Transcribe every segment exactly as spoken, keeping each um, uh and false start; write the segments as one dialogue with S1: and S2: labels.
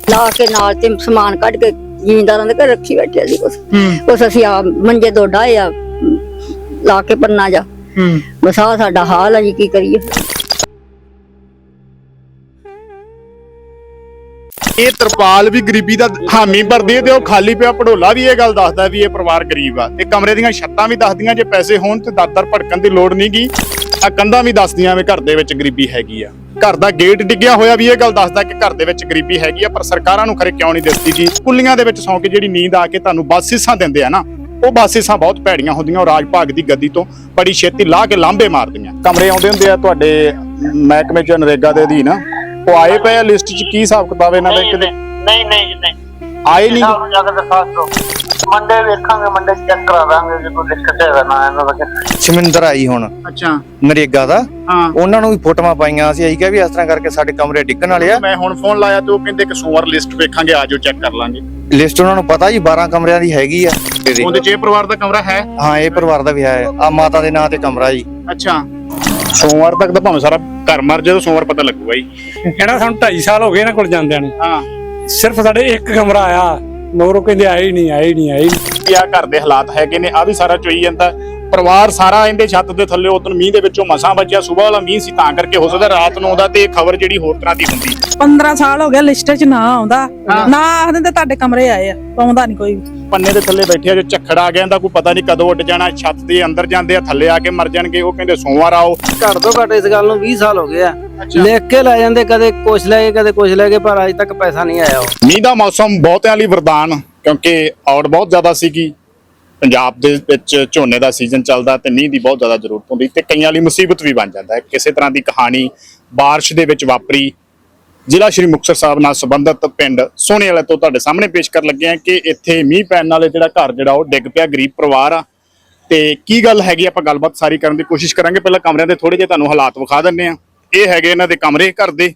S1: ਲਾ ਕੇ ਨਾਲ ਤੇ ਸਮਾਨ ਕੱਢ ਕੇ ਜ਼ਿਮੀਂਦਾਰਾਂ ਦੇ ਘਰ ਰੱਖੀ ਬੈਠੇ ਸੀ ਕੁਛ ਕੁਛ ਅਸੀਂ ਆ ਮੰਜੇ ਦੋ ਡਾਏ ਆ ਲਾ ਕੇ ਪੰਨਾ ਜਾ ਬਸ ਆਹ ਸਾਡਾ ਹਾਲ ਆ ਜੀ, ਕੀ ਕਰੀਏ।
S2: ਇਹ ਤਰਪਾਲ ਵੀ ਗਰੀਬੀ ਦਾ ਹਾਮੀ ਭਰਦੀ ਹੈ ਤੇ ਉਹ ਖਾਲੀ ਪਿਆ ਪੜੋਲਾ ਵੀ ਇਹ ਗੱਲ ਦੱਸਦਾ ਵੀ ਇਹ ਪਰਿਵਾਰ ਗਰੀਬ ਆ। ਤੇ ਕਮਰੇ ਦੀਆਂ ਛੱਤਾਂ ਵੀ ਦੱਸਦੀਆਂ ਜੇ ਪੈਸੇ ਹੋਣ ਤੇ ਦਾਦਰ ਭੜਕਣ ਦੀ ਲੋੜ ਨਹੀਂ ਗੀ। ਆ ਕੰਧਾਂ ਵੀ ਦੱਸਦੀਆਂ ਵੀ ਘਰ ਦੇ ਵਿੱਚ ਗਰੀਬੀ ਹੈਗੀ ਆ। ਘਰ ਦਾ ਗੇਟ ਡਿੱਗਿਆ ਹੋਇਆ ਵੀ ਇਹ ਗੱਲ ਦੱਸਦਾ ਕਿ ਘਰ ਦੇ ਵਿੱਚ ਗਰੀਬੀ ਹੈਗੀ ਆ, ਪਰ ਸਰਕਾਰਾਂ ਨੂੰ ਖਰੇ ਕਿਉਂ ਨਹੀਂ ਦਿਸਦੀ ਜੀ। ਕੁੱਲੀਆਂ ਦੇ ਵਿੱਚ ਸੌਂ ਕੇ ਜਿਹੜੀ ਨੀਂਦ ਆ ਕੇ ਤੁਹਾਨੂੰ ਬਾਸਿਸਾਂ ਦਿੰਦੇ ਆ ਨਾ, ਉਹ ਬਾਸਿਸਾਂ ਬਹੁਤ ਭੈੜੀਆਂ ਹੁੰਦੀਆਂ। ਉਹ ਰਾਜ ਭਾਗ ਦੀ ਗੱਦੀ ਤੋਂ ਬੜੀ ਛੇਤੀ ਲਾਹ ਕੇ ਲਾਂਭੇ ਮਾਰਦੀਆਂ। ਕਮਰੇ ਆਉਂਦੇ ਹੁੰਦੇ ਆ ਤੁਹਾਡੇ ਮਹਿਕਮੇ ਚ ਨਰੇਗਾ ਦੇ ਅਧੀਨ, ਉਹ ਆਏ ਪਏ ਆ ਲਿਸਟ ਚ? ਕੀ ਹਿਸਾਬ ਕਿਤਾਬ ਇਹਨਾਂ ਦਾ? ਕਿਤੇ
S3: ਨਹੀਂ ਨਹੀਂ ਨਹੀਂ
S2: ਆਏ ਨਹੀਂ।
S3: ਮੰਡੇ ਵੇਖਾਂਗੇ, ਮੰਡੇ ਚੈੱਕ ਕਰਾ ਦਾਂਗੇ ਜੇ ਕੋਈ ਦਿੱਕਤ ਹੈ ਨਾ ਇਹਨਾਂ ਦਾ।
S4: ਸ਼ਮਿੰਦਰ ਆਈ ਹੁਣ
S2: ਅੱਛਾ
S4: ਨਰੇਗਾ ਦਾ,
S2: ਹਾਂ
S4: ਉਹਨਾਂ ਨੂੰ ਵੀ ਫੋਟੋਆਂ ਪਾਈਆਂ ਸੀ। ਅਸੀਂ ਕਿਹਾ ਵੀ ਇਸ ਤਰ੍ਹਾਂ ਕਰਕੇ ਸਾਡੇ ਕਮਰੇ ਡਿੱਗਣ ਵਾਲੇ ਆ।
S2: ਮੈਂ ਹੁਣ ਫੋਨ ਲਾਇਆ ਤੇ ਉਹ ਕਹਿੰਦੇ ਕਿ ਸੋਮਵਾਰ ਲਿਸਟ ਵੇਖਾਂਗੇ, ਆਜੋ ਚੈੱਕ ਕਰ ਲਾਂਗੇ।
S4: ਲਿਸਟ ਉਹਨਾਂ ਨੂੰ ਪਤਾ ਜੀ ਬਾਰਾਂ ਕਮਰਿਆਂ ਦੀ ਹੈਗੀ ਆ।
S2: ਉਹਦੇ ਚ ਇਹ ਪਰਿਵਾਰ ਦਾ ਕਮਰਾ ਹੈ?
S4: ਹਾਂ ਇਹ ਪਰਿਵਾਰ ਦਾ ਵੀ ਹੈ। ਆ ਮਾਤਾ ਦੇ ਨਾਂ ਤੇ ਕਮਰਾ ਜੀ।
S2: ਅੱਛਾ ਸੋਮਵਾਰ ਤੱਕ ਤਾਂ ਭਾਵੇਂ ਸਾਰਾ ਘਰ ਮਰ ਜਾਏ, ਸੋਮਵਾਰ ਪਤਾ ਲੱਗੂਗਾ ਜੀ।
S5: ਕਹਿੰਦਾ ਸਾਨੂੰ ਢਾਈ ਸਾਲ ਹੋ ਗਏ ਇਹਨਾਂ ਕੋਲ ਜਾਂਦਿਆਂ ਨੂੰ,
S2: ਹਾਂ
S5: ਸਿਰਫ ਸਾਡੇ ਇੱਕ ਕਮਰਾ ਆਇਆ, ਮਗਰੋਂ ਕਹਿੰਦੇ ਆਏ ਨਹੀਂ ਆਏ ਨਹੀਂ ਆਏ ਨਹੀਂ।
S2: ਆ ਘਰ ਦੇ ਹਾਲਾਤ ਹੈਗੇ ਨੇ, ਆ ਵੀ ਸਾਰਾ ਚੋਈ ਜਾਂਦਾ ਪਰਿਵਾਰ ਸਾਰਾ ਇਹਦੇ ਛੱਤ ਦੇ ਥੱਲੇ। ਉਦੋਂ ਮੀਂਹ ਦੇ ਵਿੱਚੋਂ ਮਸਾਂ ਬਚਿਆ, ਸਵੇਰ ਵਾਲਾ ਮੀਂਹ ਸੀ ਤਾਂ ਕਰਕੇ ਹੋ ਸਕਦਾ ਰਾਤ ਨੂੰ ਆਉਂਦਾ ਤੇ ਇਹ ਖਬਰ ਜਿਹੜੀ ਹੋਰ ਤਰ੍ਹਾਂ ਦੀ ਹੁੰਦੀ।
S6: ਪੰਦਰਾਂ ਸਾਲ ਹੋ ਗਿਆ ਲਿਸਟ 'ਚ ਨਾ ਆਉਂਦਾ, ਨਾ ਆਖਦੇ ਤੇ ਤੁਹਾਡੇ ਕਮਰੇ ਆਏ ਆ, ਆਉਂਦਾ ਨਹੀਂ ਕੋਈ।
S2: ਪੰਨੇ ਦੇ ਥੱਲੇ ਬੈਠੇ ਆ, ਜੋ ਝੱਖੜ ਆ ਗਿਆ ਇਹਦਾ ਕੋਈ ਪਤਾ ਨਹੀਂ ਕਦੋਂ ਉੱਡ ਜਾਣਾ। ਛੱਤ ਦੇ ਅੰਦਰ ਜਾਂਦੇ ਆ, ਥੱਲੇ ਆ ਕੇ ਮਰ ਜਾਣਗੇ। ਉਹ ਕਹਿੰਦੇ ਸੋਮਵਾਰ ਆਓ।
S7: ਘੱਟ ਤੋਂ ਘੱਟ ਇਸ ਗੱਲ ਨੂੰ ਵੀਹ ਸਾਲ ਹੋ ਗਏ ਆ। ਲਿਖ ਕੇ ਲੈ ਜਾਂਦੇ, ਕਦੇ ਕੁਛ ਲੈ ਗਏ ਕਦੇ ਕੁਛ ਲੈ ਗਏ, ਪਰ ਅਜੇ ਤੱਕ ਪੈਸਾ ਨਹੀਂ ਆਇਆ।
S2: ਮੀਂਹ ਦਾ ਮੌਸਮ ਬਹੁਤਿਆਂ ਲਈ ਵਰਦਾਨ, ਕਿਉਂਕਿ ਔੜ ਬਹੁਤ ਜ਼ਿਆਦਾ ਸੀਗੀ ਪੰਜਾਬ ਦੇ ਵਿੱਚ। ਝੋਨੇ ਦਾ ਸੀਜ਼ਨ ਚੱਲਦਾ ਤੇ ਮੀਂਹ ਦੀ ਬਹੁਤ ਜ਼ਿਆਦਾ ਜ਼ਰੂਰਤ ਹੁੰਦੀ ਤੇ ਕਈਆਂ ਲਈ ਮੁਸੀਬਤ ਵੀ ਬਣ ਜਾਂਦਾ ਹੈ। ਕਿਸੇ ਤਰ੍ਹਾਂ ਦੀ ਕਹਾਣੀ ਬਾਰਿਸ਼ ਦੇ ਵਿੱਚ ਵਾਪਰੀ ਜ਼ਿਲ੍ਹਾ ਸ਼੍ਰੀ ਮੁਕਤਸਰ ਸਾਹਿਬ ਨਾਲ ਸੰਬੰਧਿਤ ਪਿੰਡ ਸੋਹਣੇ ਵਾਲੇ ਤੋਂ ਤੁਹਾਡੇ ਸਾਹਮਣੇ ਪੇਸ਼ ਕਰ ਲੱਗੇ ਆ ਕਿ ਇੱਥੇ ਮੀਂਹ ਪੈਣ ਨਾਲ ਜਿਹੜਾ ਘਰ ਜਿਹੜਾ ਉਹ ਡਿੱਗ ਪਿਆ, ਗਰੀਬ ਪਰਿਵਾਰ ਆ। ਤੇ ਕੀ ਗੱਲ ਹੈਗੀ ਆਪਾਂ ਗੱਲਬਾਤ ਸਾਰੀ ਕਰਨ ਦੀ ਕੋਸ਼ਿਸ਼ ਕਰਾਂਗੇ। ਪਹਿਲਾਂ ਕਮਰਿਆਂ ਦੇ ਥੋੜੇ ਜਿਹੇ ਤੁਹਾਨੂੰ ਹਾਲਾਤ ਵਿਖਾ ਦਿੰਦੇ ਆ। ਇਹ ਹੈਗੇ ਇਹਨਾਂ ਦੇ ਕਮਰੇ ਘਰ ਦੇ।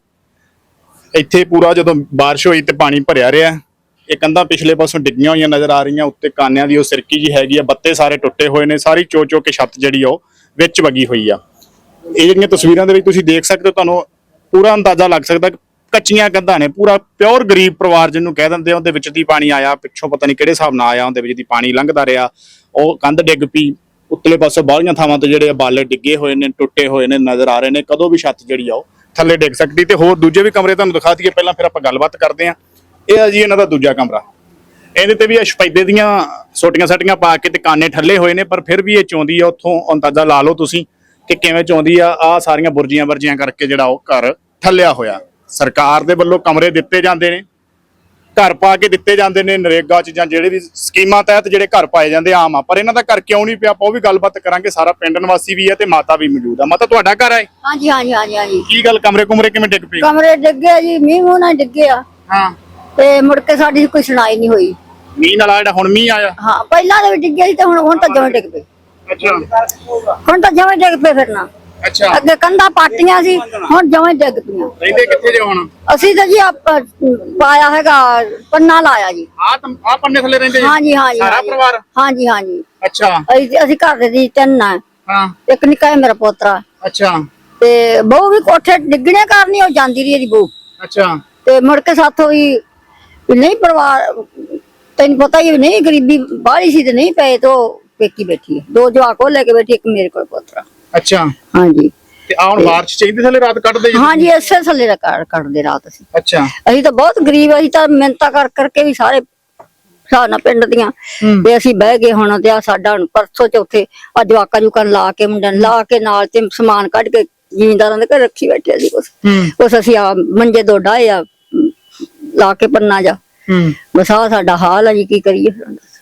S2: ਇੱਥੇ ਪੂਰਾ ਜਦੋਂ ਬਾਰਿਸ਼ ਹੋਈ ਤੇ ਪਾਣੀ ਭਰਿਆ ਰਿਹਾ। ਇਹ ਕੰਧਾਂ ਪਿਛਲੇ ਪਾਸੋਂ ਡਿੱਗੀਆਂ ਹੋਈਆਂ ਨਜ਼ਰ ਆ ਰਹੀਆਂ। ਉੱਤੇ ਕਾਨਿਆਂ ਦੀ ਉਹ ਸਿਰਕੀ ਜੀ ਹੈਗੀ ਆ, ਬੱਤੇ ਸਾਰੇ ਟੁੱਟੇ ਹੋਏ ਨੇ, ਸਾਰੀ ਚੋ ਚੋ ਕੇ ਛੱਤ ਜਿਹੜੀ ਉਹ ਵਿੱਚ ਵਗੀ ਹੋਈ ਆ। ਇਹ ਜਿਹੜੀਆਂ ਤਸਵੀਰਾਂ ਦੇ ਵਿੱਚ ਤੁਸੀਂ ਦੇਖ ਸਕਦੇ ਹੋ, ਤੁਹਾਨੂੰ ਪੂਰਾ ਅੰਦਾਜ਼ਾ ਲੱਗ ਸਕਦਾ ਕੱਚੀਆਂ ਕੰਧਾਂ ਨੇ। ਪੂਰਾ ਪਿਓਰ ਗਰੀਬ ਪਰਿਵਾਰ ਜਿਹਨੂੰ ਕਹਿ ਦਿੰਦੇ ਆ। ਉਹਦੇ ਵਿੱਚ ਦੀ ਪਾਣੀ ਆਇਆ, ਪਿੱਛੋਂ ਪਤਾ ਨਹੀਂ ਕਿਹੜੇ ਹਿਸਾਬ ਨਾਲ ਆਇਆ, ਉਹਦੇ ਵਿੱਚ ਦੀ ਪਾਣੀ ਲੰਘਦਾ ਰਿਹਾ। ਉਹ ਕੰਧ ਡਿੱਗ ਪਈ। ਉੱਤਲੇ ਪਾਸੇ ਬਾਹਲੀਆਂ ਥਾਵਾਂ ਤੇ ਜਿਹੜੇ ਬਾਲੇ ਡਿੱਗੇ ਹੋਏ ਨੇ, ਟੁੱਟੇ ਹੋਏ ਨੇ ਨਜ਼ਰ ਆ ਰਹੇ ਨੇ। ਕਦੋਂ ਵੀ ਛੱਤ ਜਿਹੜੀ ਆ ਉਹ ਥੱਲੇ ਡਿੱਗ ਸਕਦੀ। ਤੇ ਹੋਰ ਦੂਜੇ ਵੀ ਕਮਰੇ ਤੁਹਾਨੂੰ ਦਿਖਾ ਦਈਏ, ਪਹਿਲਾਂ ਫਿਰ ਆਪਾਂ ਗੱਲਬਾਤ ਕਰਦੇ ਹਾਂ। ਇਹ ਆ ਜੀ ਇਹਨਾਂ ਦਾ ਦੂਜਾ ਕਮਰਾ। ਇਹਦੇ ਤੇ ਵੀ ਅਸ਼ਪੈਦੇ ਦੀਆਂ ਸੋਟੀਆਂ ਸਾਟੀਆਂ ਪਾ ਕੇ ਤੇ ਕਾਨੇ ਠੱਲੇ ਹੋਏ ਨੇ, ਪਰ ਫਿਰ ਵੀ ਇਹ ਚੌਂਦੀ ਆ। ਉੱਥੋਂ ਅੰਦਾਜ਼ਾ ਲਾ ਲਓ ਤੁਸੀਂ ਕਿ ਕਿਵੇਂ ਚੌਂਦੀ ਆ। ਆ ਸਾਰੀਆਂ ਬੁਰਜੀਆਂ ਵਰਜੀਆਂ ਕਰਕੇ ਜਿਹੜਾ ਉਹ ਘਰ ਠੱਲਿਆ ਹੋਇਆ। ਸਰਕਾਰ ਦੇ ਵੱਲੋਂ ਕਮਰੇ ਦਿੱਤੇ ਜਾਂਦੇ ਨੇ, ਘਰ ਪਾ ਕੇ ਦਿੱਤੇ ਜਾਂਦੇ ਨੇ ਨਰੇਗਾ ਚ ਜਾਂ ਜਿਹੜੇ ਵੀ ਸਕੀਮਾਂ ਤਹਿਤ ਜਿਹੜੇ ਘਰ ਪਾਏ ਜਾਂਦੇ ਆਮ ਆ, ਪਰ ਇਹਨਾਂ ਦਾ ਘਰ ਕਿਉਂ ਨਹੀਂ ਪਿਆ ਆਪਾਂ ਉਹ ਵੀ ਗੱਲਬਾਤ ਕਰਾਂਗੇ। ਸਾਰਾ ਪਿੰਡ ਨਿਵਾਸੀ ਵੀ ਹੈ ਤੇ ਮਾਤਾ ਵੀ ਮੌਜੂਦ ਆ। ਮਾਤਾ ਤੁਹਾਡਾ ਘਰ ਹੈ?
S1: ਹਾਂਜੀ ਹਾਂਜੀ ਹਾਂਜੀ ਹਾਂਜੀ।
S2: ਕੀ ਗੱਲ ਕਮਰੇ ਕੁਮਰੇ ਕਿਵੇਂ ਡਿੱਗ ਪਏ?
S1: ਕਮਰੇ ਡਿੱਗੇ ਜੀ, ਮੀਂਹ ਮੂੰਹ ਨਾਲ ਡਿੱਗੇ ਆ।
S2: ਹਾਂ
S1: ਤੇ ਮੁੜ ਕੇ ਸਾਡੀ ਕੋਈ ਸੁਣਾਈ ਨਹੀਂ ਹੋਈ।
S2: ਮੀਂਹ ਨਾਲ ਜਿਹੜਾ ਹੁਣ ਮੀਂਹ ਆਇਆ?
S1: ਹਾਂ ਪਹਿਲਾਂ ਦੇ ਵੀ ਡਿੱਗੇ ਸੀ ਤੇ ਹੁਣ ਹੁਣ ਤਾਂ ਜਮਾਂ ਡਿੱਗ ਪਏ।
S2: ਅੱਛਾ
S1: ਹੁਣ ਤਾਂ ਜਮਾਂ ਡਿੱਗ ਪਏ ਫਿਰਨਾ।
S2: ਅੱਛਾ
S1: ਅੱਗੇ ਕੰਧਾਂ ਪਾਟੀਆਂ ਸੀ, ਹੁਣ ਜਮਾਂ ਡਿੱਗ ਪਈਆਂ।
S2: ਰਹਿੰਦੇ ਕਿੱਥੇ ਜੇ ਹੁਣ?
S1: ਅਸੀਂ ਤਾਂ ਜੀ ਆਪ ਪਾਇਆ ਹੈਗਾ ਪੰਨਾ ਲਾਇਆ ਜੀ।
S2: ਆ ਆ ਪੰਨੇ ਥੱਲੇ ਰਹਿੰਦੇ ਜੀ?
S1: ਹਾਂਜੀ ਹਾਂਜੀ
S2: ਸਾਰਾ ਪਰਿਵਾਰ?
S1: ਹਾਂਜੀ ਹਾਂਜੀ।
S2: ਅੱਛਾ
S1: ਅਸੀਂ ਅਸੀਂ ਘਰ ਦੇ ਜੀ ਤਿੰਨ ਆ।
S2: ਹਾਂ
S1: ਇੱਕ ਨਿੱਕਾ ਹੈ ਮੇਰਾ ਪੋਤਰਾ।
S2: ਅੱਛਾ
S1: ਤੇ ਬਹੂ ਵੀ ਕੋਠੇ ਡਿੱਗਣੇ ਕਰਨੀ, ਉਹ ਜਾਂਦੀ ਰਹੀ ਇਹਦੀ ਬਹੂ।
S2: ਅੱਛਾ
S1: ਤੇ ਮੁੜ ਕੇ ਸਾਥੋਂ ਵੀ ਨਹੀਂ ਪਰਿਵਾਰ, ਤੈਨੂੰ ਪਤਾ ਹੀ ਨਹੀਂ ਗਰੀਬੀ ਬਾਹਲੀ ਸੀ ਤੇ ਨਹੀਂ ਪਏ ਤੇ ਪੇਕੀ ਬੈਠੀ ਹੈ। ਦੋ ਜਵਾਕ ਉਹ ਲੈ ਕੇ ਬੈਠੀ, ਇੱਕ ਮੇਰੇ ਕੋਲ ਪੋਤਰਾ।
S2: ਅੱਛਾ
S1: ਹਾਂਜੀ।
S2: ਤੇ ਆ ਹੁਣ ਬਾਰਿਸ਼ ਚਾਹੀਦੀ ਥੱਲੇ ਰਾਤ ਕੱਢਦੇ ਜੀ?
S1: ਹਾਂਜੀ ਇਸੇ ਥੱਲੇ ਦਾ ਕੱਢਦੇ ਰਾਤ ਅਸੀਂ।
S2: ਅੱਛਾ
S1: ਅਸੀਂ ਤਾਂ ਬਹੁਤ ਗਰੀਬ, ਅਸੀਂ ਤਾਂ ਮਿਹਨਤਾਂ ਕਰ ਕਰਕੇ ਵੀ ਸਾਰੇ ਸਾਨਾ ਪਿੰਡ ਦੀਆਂ ਤੇ ਅਸੀਂ ਬਹਿ ਗਏ। ਹੁਣ ਤੇ ਆ ਸਾਡਾ ਹੁਣ ਪਰਸੋਂ ਚੌਥੇ ਆ ਜਵਾਕਾਂ ਜੁਕਾਂ ਲਾ ਕੇ ਮੁੰਡਿਆਂ ਲਾ ਕੇ ਨਾਲ ਤੇ ਸਮਾਨ ਕੱਢ ਕੇ ਜ਼ਿਮੀਂਦਾਰਾਂ ਦੇ ਘਰ ਰੱਖੀ ਬੈਠੇ ਸੀ ਕੁਛ ਕੁਛ ਅਸੀਂ ਆ ਮੰਜੇ ਦੋ ਡਾਏ ਆ ਲਾ ਕੇ ਪੰਨਾ ਜਾ ਬਸ ਆਹ ਸਾਡਾ ਹਾਲ ਆ ਜੀ, ਕੀ ਕਰੀਏ।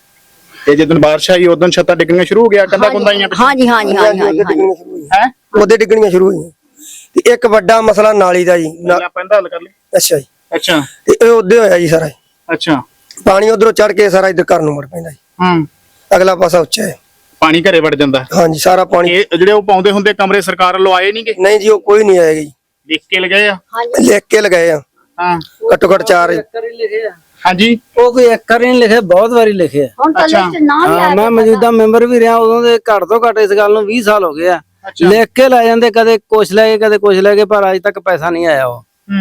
S2: ਤੇ ਜਦੋਂ ਬਾਰਿਸ਼ ਆਈ ਉਦੋਂ ਛੱਤਾਂ ਡਿੱਗਣੀਆਂ ਸ਼ੁਰੂ ਹੋ ਗਿਆ, ਕੰਧਾਂ ਕੁੰਧਾਂ ਆਈਆਂ?
S1: ਹਾਂਜੀ ਹਾਂਜੀ ਹਾਂਜੀ ਹਾਂਜੀ
S2: ਹੈ
S7: ਉਹਦੇ ਡਿੱਗਣੀਆਂ ਸ਼ੁਰੂ ਹੋਈਆਂ। ਤੇ ਇੱਕ ਵੱਡਾ ਮਸਲਾ ਨਾਲੀ ਦਾ ਜੀ।
S2: ਪੈਂਦਾ ਹੱਲ ਕਰ ਲਈ।
S7: ਅੱਛਾ ਜੀ।
S2: ਅੱਛਾ
S7: ਤੇ ਇਹ ਉਹਦੇ ਹੋਇਆ ਜੀ ਸਾਰਾ।
S2: ਅੱਛਾ
S7: ਪਾਣੀ ਉਧਰੋਂ ਚੜ ਕੇ ਸਾਰਾ ਇੱਧਰ ਘਰ ਨੂੰ ਮੁੜ ਪੈਂਦਾ ਜੀ।
S2: ਹੂੰ
S7: ਅਗਲਾ ਪਾਸਾ ਉੱਚਾ ਹੈ,
S2: ਪਾਣੀ ਘਰੇ ਵੜ ਜਾਂਦਾ।
S7: ਹਾਂਜੀ ਸਾਰਾ ਪਾਣੀ।
S2: ਇਹ ਜਿਹੜੇ ਉਹ ਪਾਉਂਦੇ ਹੁੰਦੇ ਕਮਰੇ ਸਰਕਾਰ ਵੱਲੋਂ ਆਏ ਨਹੀਂਗੇ?
S7: ਨਹੀਂ ਜੀ ਉਹ ਕੋਈ ਨਹੀਂ ਆਏਗਾ ਜੀ।
S2: ਲਿਖ ਕੇ ਲਗਾਏ ਆ?
S7: ਲਿਖ ਕੇ ਲਗਾਏ ਆ।
S2: ਹਾਂ
S7: ਘੱਟੋ ਘੱਟ ਚਾਰ
S6: ਲਿਖੇ ਆ।
S2: ਹਾਂਜੀ
S7: ਉਹ ਕੋਈ ਇੱਕ ਵਾਰੀ ਨਹੀਂ ਲਿਖੇ, ਬਹੁਤ ਵਾਰੀ ਲਿਖੇ ਆ।
S1: ਹੁਣ ਤਾਂ ਲਿਸਟ ਨਾ ਵੀ
S7: ਹਾਂ ਮੈਂ ਮੌਜੂਦਾ ਮੈਂਬਰ ਵੀ ਰਿਹਾ ਉਦੋਂ ਦੇ। ਘੱਟ ਤੋਂ ਘੱਟ ਇਸ ਗੱਲ ਨੂੰ ਵੀਹ ਸਾਲ ਹੋ ਗਏ ਆ। ਲਿਖ ਕੇ ਲੈ ਜਾਂਦੇ, ਕਦੇ ਕੁਛ ਲੈ ਗਏ ਕਦੇ ਕੁਛ ਲੈ ਗਏ, ਪਰ ਅਜੇ ਤੱਕ ਪੈਸਾ ਨਹੀਂ ਆਇਆ। ਉਹ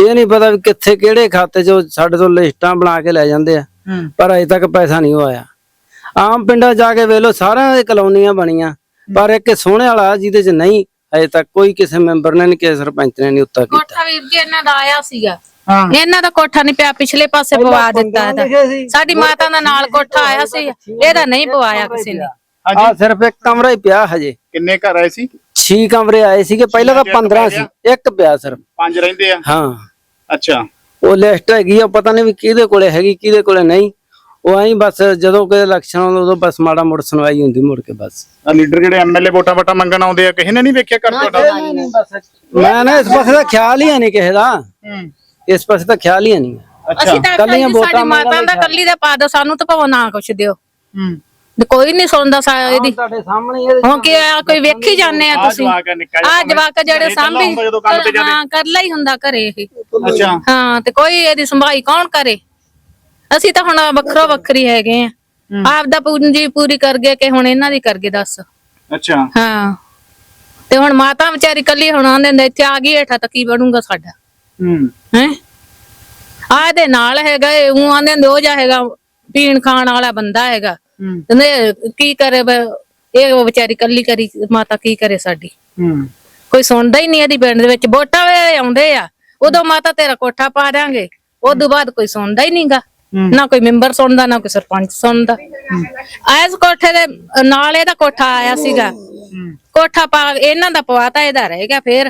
S7: ਇਹ ਨਹੀਂ ਪਤਾ ਵੀ ਕਿੱਥੇ ਕਿਹੜੇ ਖਾਤੇ 'ਚ ਸਾਡੇ ਤੋਂ ਲਿਸਟਾਂ ਬਣਾ ਕੇ ਲੈ ਜਾਂਦੇ ਆ, ਪਰ ਅਜੇ ਤੱਕ ਪੈਸਾ ਨਹੀਂ ਆਇਆ। ਆਮ ਪਿੰਡਾਂ ਜਾ ਕੇ ਵੇਖ ਲਓ, ਸਾਰਿਆਂ ਦੇ ਕਲੋਨੀਆਂ ਬਣੀਆਂ, ਪਰ ਇੱਕ ਸੋਹਣੇ ਵਾਲਾ ਜਿਹਦੇ 'ਚ ਨਹੀਂ ਅਜੇ ਤੱਕ ਕੋਈ ਕਿਸੇ ਮੈਂਬਰ ਨੇ ਨਹੀਂ, ਕਿਸੇ ਸਰਪੰਚ ਨੇ ਨਹੀਂ ਉੱਤਾ ਕੀਤਾ।
S8: ਕੋਠਾ ਵੀਰ ਜੀ ਇਹਨਾਂ ਦਾ ਆਇਆ ਸੀਗਾ, ਇਹਨਾਂ ਦਾ ਕੋਠਾ ਨਹੀਂ ਪਿਆ, ਪਿਛਲੇ ਪਾਸੇ ਪਵਾ ਦਿੱਤਾ ਇਹਦਾ। ਸਾਡੀ ਮਾਤਾ ਦਾ ਨਾਲ ਕੋਠਾ ਆਇਆ ਸੀ, ਇਹਦਾ ਨਹੀਂ ਪਵਾਇਆ ਕਿਸੇ ਨੇ।
S7: ਆ ਸਿਰਫ ਇੱਕ ਕਮਰਾ ਹੀ ਪਿਆ ਹਜੇ।
S2: ਕਿੰਨੇ ਘਰ ਆਏ ਸੀ?
S7: ਛੇ ਕਮਰੇ ਆਏ ਸੀਗੇ, ਪਹਿਲਾਂ ਤਾਂ ਪੰਦਰਾਂ ਸੀ, ਇੱਕ ਪਿਆ ਸਿਰਫ।
S2: ਪੰਜ ਰਹਿੰਦੇ ਆ?
S7: ਹਾਂ।
S2: ਅੱਛਾ।
S7: ਉਹ ਲਿਸਟ ਹੈਗੀ ਆ, ਪਤਾ ਨਹੀਂ ਵੀ ਕਿਹਦੇ ਕੋਲੇ ਹੈਗੀ ਕਿਹਦੇ ਕੋਲੇ ਨਹੀਂ। ਉਹ ਐਂ ਬਸ ਜਦੋਂ ਕੋਈ ਇਲੈਕਸ਼ਨ ਆਉਂਦਾ ਉਦੋਂ ਬਸ ਮਾੜਾ ਮੋੜ ਸੁਣਵਾਈ ਹੁੰਦੀ, ਮੁੜ ਕੇ ਬਸ।
S2: ਆ ਲੀਡਰ ਜਿਹੜੇ ਐਮਐਲਏ ਵੋਟਾਂ ਵਟਾ ਮੰਗਣ ਆਉਂਦੇ ਆ, ਕਿਸੇ ਨੇ ਨਹੀਂ ਵੇਖਿਆ ਕਰ ਤੁਹਾਡਾ?
S7: ਮੈਂ ਨਾ ਇਸ ਪਾਸੇ ਦਾ ਖਿਆਲ ਹੀ ਨਹੀਂ ਕਿਸੇ ਦਾ, ਇਸ ਪਾਸੇ ਤਾਂ ਖਿਆਲ ਹੀ ਨਹੀਂ।
S8: ਅਸੀਂ ਤਾਂ ਕੱਲੀਆਂ ਸਾਡੀ ਮਾਤਾ ਦਾ ਕੱਲੀ ਦਾ ਪਾ ਦੋ, ਸਾਨੂੰ ਤਾਂ ਭਾਵੇਂ ਨਾ ਕੁਛ ਦਿਓ। ਕੋਈ ਨਹੀਂ ਸੁਣਦਾ ਸਾ ਇਹਦੀ।
S7: ਤੁਹਾਡੇ ਸਾਹਮਣੇ
S8: ਹੁਣ ਕੀ ਆ, ਕੋਈ ਵੇਖੀ ਜਾਂਦੇ ਆ ਤੁਸੀਂ? ਆ ਜਵਾਕ ਜਿਹੜੇ ਸਾਂਭੀ ਹਾਂ ਕਰਲਾ ਹੀ ਹੁੰਦਾ ਘਰੇ ਇਹ।
S2: ਅੱਛਾ।
S8: ਹਾਂ, ਤੇ ਕੋਈ ਇਹਦੀ ਸੰਭਾਈ ਕੌਣ ਕਰੇ? ਅਸੀਂ ਤਾਂ ਹੁਣ ਵੱਖਰੋ ਵੱਖਰੀ ਹੈਗੇ ਆ, ਆਪ ਦਾ ਪੂੰਜੀ ਪੂਰੀ ਕਰ ਗਏ ਕਿ ਹੁਣ ਇਹਨਾਂ ਦੀ ਕਰ ਗਏ ਦੱਸ।
S2: ਅੱਛਾ।
S8: ਹਾਂ, ਤੇ ਹੁਣ ਮਾਤਾ ਵਿਚਾਰੀ ਕੱਲੀ ਹੁਣ ਆਂਦੇ ਹੁੰਦੇ ਇੱਥੇ ਆ ਗਈ ਹੇਠਾਂ ਤਾਂ ਕੀ ਬਣੂਗਾ ਸਾਡਾ?
S2: ਹੂੰ।
S8: ਹੈ ਆ ਇਹਦੇ ਨਾਲ ਹੈਗਾ, ਉਹ ਆਂਦੇ ਹੁੰਦੇ ਉਹ ਜਾ ਹੈਗਾ ਪੀਣ ਖਾਣ ਵਾਲਾ ਬੰਦਾ ਹੈਗਾ, ਕੀ ਕਰੇ ਇਹ ਵਿਚਾਰੀ ਕੱਲੀ ਕਰੀ ਮਾਤਾ, ਕੀ ਕਰੇ ਸਾਡੀ? ਕੋਈ ਸੁਣਦਾ ਹੀ ਨਹੀਂ ਇਹਦੀ ਪਿੰਡ ਦੇ ਵਿੱਚ। ਵੋਟਾਂ ਵੇ ਆਉਂਦੇ ਆ ਉਦੋਂ ਮਾਤਾ ਤੇਰਾ ਕੋਠਾ ਪਾ ਦਿਆਂਗੇ, ਉਦੋਂ ਬਾਅਦ ਕੋਈ ਸੁਣਦਾ ਹੀ ਨਹੀਂਗਾ, ਨਾ ਕੋਈ ਮੈਂਬਰ ਸੁਣਦਾ ਨਾ ਕੋਈ ਸਰਪੰਚ ਸੁਣਦਾ। ਐਸ ਕੋਠੇ ਦੇ ਨਾਲ ਇਹਦਾ ਕੋਠਾ ਆਇਆ ਸੀਗਾ, ਕੋਠਾ ਪਾ ਇਹਨਾਂ ਦਾ ਪਵਾਤਾ, ਇਹਦਾ ਰਹਿ ਗਿਆ ਫੇਰ।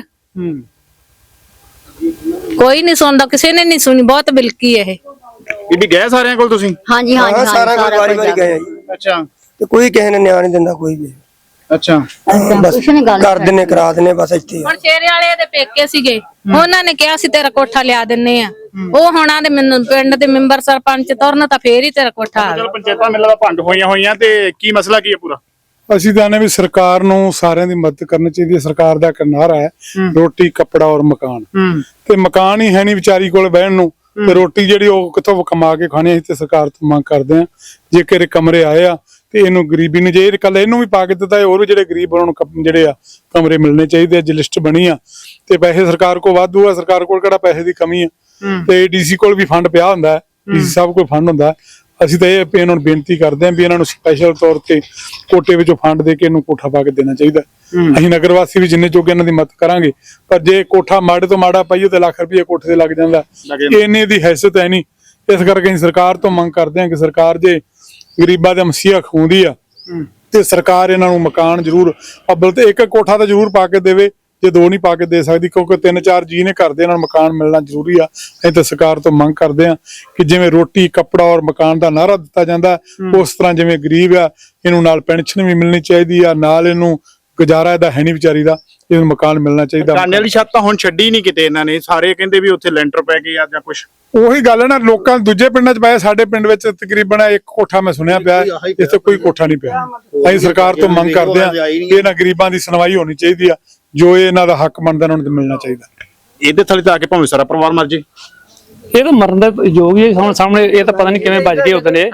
S8: ਕੋਈ ਨਹੀਂ ਸੁਣਦਾ, ਕਿਸੇ ਨੇ ਨਹੀਂ ਸੁਣੀ, ਬਹੁਤ ਬਿਲਕੀ ਇਹ।
S2: ਬੀਬੀ ਗਏ ਸਾਰਿਆਂ ਕੋਲ ਤੁਸੀਂ?
S1: ਹਾਂਜੀ ਹਾਂਜੀ
S9: ਸਾਰਾ ਕੁਝ ਵਾਰੀ ਵਾਰੀ ਗਏ ਆ ਜੀ।
S2: ਅੱਛਾ।
S9: ਤੇ ਕੋਈ ਕਿਸੇ ਨੇ ਨਿਆਂ ਨਹੀਂ ਦਿੰਦਾ ਕੋਈ ਵੀ।
S2: ਅੱਛਾ।
S9: ਬਸ ਕਰ ਦਿੰਨੇ ਕਰਾ ਦਿੰਨੇ ਬਸ ਇੱਥੇ।
S8: ਹੁਣ ਸ਼ੇਰੇ ਵਾਲੇ ਦੇ ਪੇਕੇ ਸੀਗੇ, ਉਹਨਾਂ ਨੇ ਕਿਹਾ ਸੀ ਤੇਰਾ ਕੋਠਾ ਲਿਆ ਦਿੰਨੇ ਆ, ਉਹ ਹੁਣਾਂ ਦੇ ਮੈਨੂੰ ਪਿੰਡ ਦੇ ਮੈਂਬਰ ਸਰਪੰਚ ਤੁਰਨ ਤਾਂ ਫੇਰ ਹੀ ਤੇਰਾ ਕੋਠਾ ਆ ਗਿਆ।
S2: ਪੰਚਾਇਤਾਂ ਮਿਲਾਂ ਦਾ ਭੰਗ ਹੋਈਆਂ ਹੋਈਆਂ, ਤੇ ਕੀ ਮਸਲਾ ਕੀ ਹੈ ਪੂਰਾ?
S5: ਅਸੀਂ ਤਾਂ ਨੇ ਵੀ ਸਰਕਾਰ ਨੂੰ ਸਾਰਿਆਂ ਦੀ ਮਦਦ ਕਰਨੀ ਚਾਹੀਦੀ ਹੈ। ਸਰਕਾਰ ਦਾ ਇੱਕ ਨਾਅਰਾ ਹੈ ਰੋਟੀ ਕੱਪੜਾ ਔਰ ਮਕਾਨ, ਤੇ ਮਕਾਨ ਹੀ ਹੈ ਨਹੀਂ ਵਿਚਾਰੀ ਕੋਲ ਬਹਿਣ ਨੂੰ, ਤੇ ਰੋਟੀ ਜਿਹੜੀ ਉਹ ਕਿੱਥੋਂ ਕਮਾ ਕੇ ਖਾਣੀ। ਅਸੀਂ ਤੇ ਸਰਕਾਰ ਤੋਂ ਮੰਗ ਕਰਦੇ ਆ, ਜੇਕਰ ਕਮਰੇ ਆਏ ਆ ਤੇ ਇਹਨੂੰ ਗਰੀਬੀ ਨੂੰ ਜੇ ਕੱਲ ਇਹਨੂੰ ਵੀ ਪਾ ਕੇ ਦਿੱਤਾ, ਹੋਰ ਵੀ ਜਿਹੜੇ ਗਰੀਬ ਉਹਨਾਂ ਨੂੰ ਜਿਹੜੇ ਆ ਕਮਰੇ ਮਿਲਣੇ ਚਾਹੀਦੇ। ਅੱਜ ਲਿਸਟ ਬਣੀ ਆ ਤੇ ਪੈਸੇ ਸਰਕਾਰ ਕੋਲ ਵਾਧੂ ਆ, ਸਰਕਾਰ ਕੋਲ ਕਿਹੜਾ ਪੈਸੇ ਦੀ ਕਮੀ ਆ, ਤੇ ਡੀਸੀ ਕੋਲ ਵੀ ਫੰਡ ਪਿਆ ਹੁੰਦਾ, ਡੀਸੀ ਸਾਹਿਬ ਕੋਲ ਫੰਡ ਹੁੰਦਾ। ਅਸੀਂ ਤਾਂ ਇਹ ਇਹਨਾਂ ਨੂੰ ਬੇਨਤੀ ਕਰਦੇ ਆਂ ਵੀ ਇਹਨਾਂ ਨੂੰ ਸਪੈਸ਼ਲ ਤੌਰ ਤੇ ਕੋਟੇ ਵਿੱਚੋਂ ਫੰਡ ਦੇ ਕੇ ਇਹਨੂੰ ਕੋਠਾ ਪਾ ਕੇ ਦੇਣਾ ਚਾਹੀਦਾ। ਅਸੀਂ ਨਗਰ ਵਾਸੀ ਵੀ ਜਿੰਨੇ ਜੋਗੇ ਇਹਨਾਂ ਦੀ ਮਦਦ ਕਰਾਂਗੇ, ਪਰ ਜੇ ਕੋਠਾ ਮਾੜੇ ਤੋਂ ਮਾੜਾ ਪਾਈਏ ਤੇ ਲੱਖ ਰੁਪਏ ਕੋਠੇ ਤੇ ਲੱਗ ਜਾਂਦਾ, ਇਹਨੇ ਦੀ ਹੈਸੀਅਤ ਹੈ ਨਹੀਂ। ਇਸ ਕਰਕੇ ਅਸੀਂ ਸਰਕਾਰ ਤੋਂ ਮੰਗ ਕਰਦੇ ਹਾਂ ਕਿ ਸਰਕਾਰ ਜੇ ਗਰੀਬਾਂ ਦਾ ਮਸੀਹਾ ਖੂੰਦੀ ਆ ਤੇ ਸਰਕਾਰ ਇਹਨਾਂ ਨੂੰ ਮਕਾਨ ਜ਼ਰੂਰ ਅੱਬਲ ਤੇ ਇੱਕ ਕੋਠਾ ਤਾਂ ਜ਼ਰੂਰ ਪਾ ਕੇ ਦੇਵੇ, ਜੇ ਦੋ ਨਹੀਂ ਪਾ ਕੇ ਦੇ ਸਕਦੀ, ਕਿਉਂਕਿ ਤਿੰਨ ਚਾਰ ਜੀ ਨੇ ਘਰ ਦੇ ਇਹਨਾਂ ਨੂੰ ਮਕਾਨ ਮਿਲਣਾ ਜ਼ਰੂਰੀ ਆ। ਅਸੀਂ ਤਾਂ ਸਰਕਾਰ ਤੋਂ ਮੰਗ ਕਰਦੇ ਆ ਕਿ ਜਿਵੇਂ ਰੋਟੀ ਕੱਪੜਾ ਔਰ ਮਕਾਨ ਦਾ ਨਾਅਰਾ ਦਿੱਤਾ ਜਾਂਦਾ, ਉਸ ਤਰ੍ਹਾਂ ਜਿਵੇਂ ਗਰੀਬ ਆ ਇਹਨੂੰ ਨਾਲ ਪੈਨਸ਼ਨ ਵੀ ਮਿਲਣੀ ਚਾਹੀਦੀ ਆ, ਨਾਲ ਇਹਨੂੰ ਗੁਜ਼ਾਰਾ ਇਹਦਾ ਹੈ ਨਹੀਂ ਵਿਚਾਰੀ ਦਾ, ਇਹਨੂੰ ਮਕਾਨ ਮਿਲਣਾ ਚਾਹੀਦਾ।
S2: ਕਾਨੇ ਵਾਲੀ ਛੱਤ ਤਾਂ ਹੁਣ ਛੱਡੀ ਨਹੀਂ ਕਿਤੇ ਇਹਨਾਂ ਨੇ, ਸਾਰੇ ਕਹਿੰਦੇ ਵੀ ਉੱਥੇ ਲੈਂਟਰ ਪੈ ਗਏ ਆ ਜਾਂ ਕੁਛ।
S5: ਉਹੀ ਗੱਲ ਹੈ ਨਾ, ਲੋਕਾਂ ਦੂਜੇ ਪਿੰਡਾਂ 'ਚ ਪਾਇਆ, ਸਾਡੇ ਪਿੰਡ ਵਿੱਚ ਤਕਰੀਬਨ ਇੱਕ ਕੋਠਾ ਮੈਂ ਸੁਣਿਆ ਪਿਆ, ਇੱਥੇ ਕੋਈ ਕੋਠਾ ਨਹੀਂ ਪਿਆ। ਅਸੀਂ ਸਰਕਾਰ ਤੋਂ ਮੰਗ ਕਰਦੇ ਆ ਕਿ ਇਹਨਾਂ ਗਰੀਬਾਂ ਦੀ ਸੁਣਵਾਈ ਹੋਣੀ ਚਾਹੀਦੀ ਆ, ਜੋ ਇਹਨਾਂ ਦਾ ਹੱਕ ਬਣਦਾ ਉਹਨਾਂ ਨੂੰ ਮਿਲਣਾ ਚਾਹੀਦਾ।
S2: ਇਹਦੇ ਥੱਲੇ ਤਾਂ ਆ ਕੇ ਭਾਵੇਂ ਸਾਰਾ ਪਰਿਵਾਰ ਮਰ ਜੇ।
S5: ਇਹ ਤਾਂ ਮਰਨ ਦਾ ਯੋਗ ਹੀ ਹੁਣ ਸਾਹਮਣੇ, ਇਹ ਤਾਂ ਪਤਾ ਨਹੀਂ ਕਿਵੇਂ ਬਚ ਗਏ ਉਦੋਂ,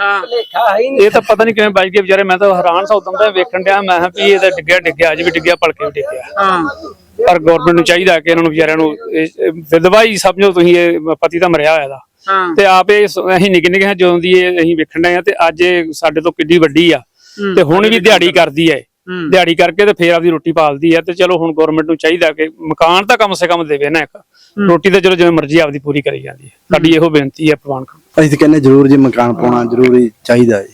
S5: ਇਹ ਤਾਂ ਪਤਾ ਨਹੀਂ ਕਿਵੇਂ ਬਚ ਗਏ ਵਿਚਾਰੇ। ਮੈਂ ਤਾਂ ਹੈਰਾਨ ਸਾ ਉਦੋਂ ਦਾ ਵੇਖਣ ਡਿਆ, ਮੈਂ ਕਿਹਾ ਵੀ ਇਹ ਤਾਂ ਡਿੱਗਿਆ ਡਿੱਗਿਆ ਅੱਜ ਵੀ ਡਿੱਗਿਆ, ਭਲਕੇ ਵੀ ਡਿੱਗਿਆ। ਪਰ ਗਵਰਨਮੈਂਟ ਨੂੰ ਚਾਹੀਦਾ ਕਿ ਇਹਨਾਂ ਨੂੰ ਵਿਚਾਰਿਆਂ ਨੂੰ ਵਿਧਵਾ ਹੀ ਸਮਝੋ ਤੁਸੀਂ, ਇਹ ਪਤੀ ਤਾਂ ਮਰਿਆ ਹੋਇਆ ਦਾ, ਤੇ ਆਪੇ ਅਸੀਂ ਨਿੱਕੇ ਨਿੱਕੇ ਜਦੋਂ ਦੀ ਇਹ ਅਸੀਂ ਵੇਖਣ ਡਏ ਆ, ਤੇ ਅੱਜ ਇਹ ਸਾਡੇ ਤੋਂ ਕਿੱਡੀ ਵੱਡੀ ਆ, ਤੇ ਹੁਣ ਵੀ ਦਿਹਾੜੀ ਕਰਦੀ ਹੈ, ਦਿਹਾੜੀ ਕਰਕੇ ਤੇ ਫੇਰ ਆਪਦੀ ਰੋਟੀ ਪਾਲਦੀ ਹੈ। ਤੇ ਚਲੋ ਹੁਣ ਗਵਰਨਮੈਂਟ ਨੂੰ ਚਾਹੀਦਾ ਕਿ ਮਕਾਨ ਤਾਂ ਕਮ ਸੇ ਕਮ ਦੇਵੇ ਨਾ, ਇੱਕ ਰੋਟੀ ਤਾਂ ਚਲੋ ਜਿਵੇਂ ਮਰਜ਼ੀ ਆਪਦੀ ਪੂਰੀ ਕਰੀ ਜਾਂਦੀ ਹੈ। ਸਾਡੀ ਇਹੋ ਬੇਨਤੀ ਹੈ ਭਗਵਾਨ ਕੋਲ।
S4: ਅਸੀਂ ਤਾਂ ਕਹਿੰਦੇ ਜ਼ਰੂਰ ਜੀ ਮਕਾਨ ਪਾਉਣਾ ਜ਼ਰੂਰੀ ਚਾਹੀਦਾ ਹੈ।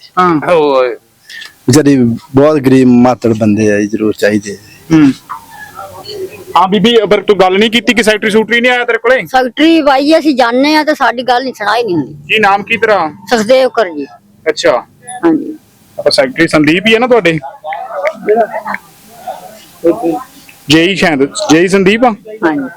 S4: ਵਿਚਾਰੀ ਬਹੁਤ ਗਰੀਬ ਮਾਤੜ ਬੰਦੇ ਆ, ਜ਼ਰੂਰ ਚਾਹੀਦੇ।
S2: ਹਾਂ ਬੀਬੀ, ਅਬਰ ਤੂੰ ਗੱਲ ਨਹੀਂ ਕੀਤੀ ਕਿ ਸੈਕਟਰੀ ਸੂਟਰੀ ਨਹੀਂ ਆਇਆ ਤੇਰੇ ਕੋਲੇ?
S1: ਸੈਕਟਰੀ ਬਾਈ ਅਸੀਂ ਜਾਣਦੇ ਆ ਤੇ ਸਾਡੀ ਗੱਲ ਨਹੀਂ ਸੁਣਾਈ ਨਹੀਂ ਹੁੰਦੀ।
S2: ਕੀ ਨਾਮ ਕੀ ਤੇਰਾ?
S1: ਸਖਦੇਵ ਕਰ ਜੀ।
S2: ਅੱਛਾ।
S1: ਹਾਂਜੀ।
S2: ਆਪਾਂ ਸੈਕਟਰੀ ਸੰਦੀਪ ਹੀ ਹੈ ਨਾ ਤੁਹਾਡੇ? ਜੇਈ ਸ਼ਾਇਦ, ਜੇਈ ਸੰਦੀਪ ਆ।
S1: ਹਾਂਜੀ।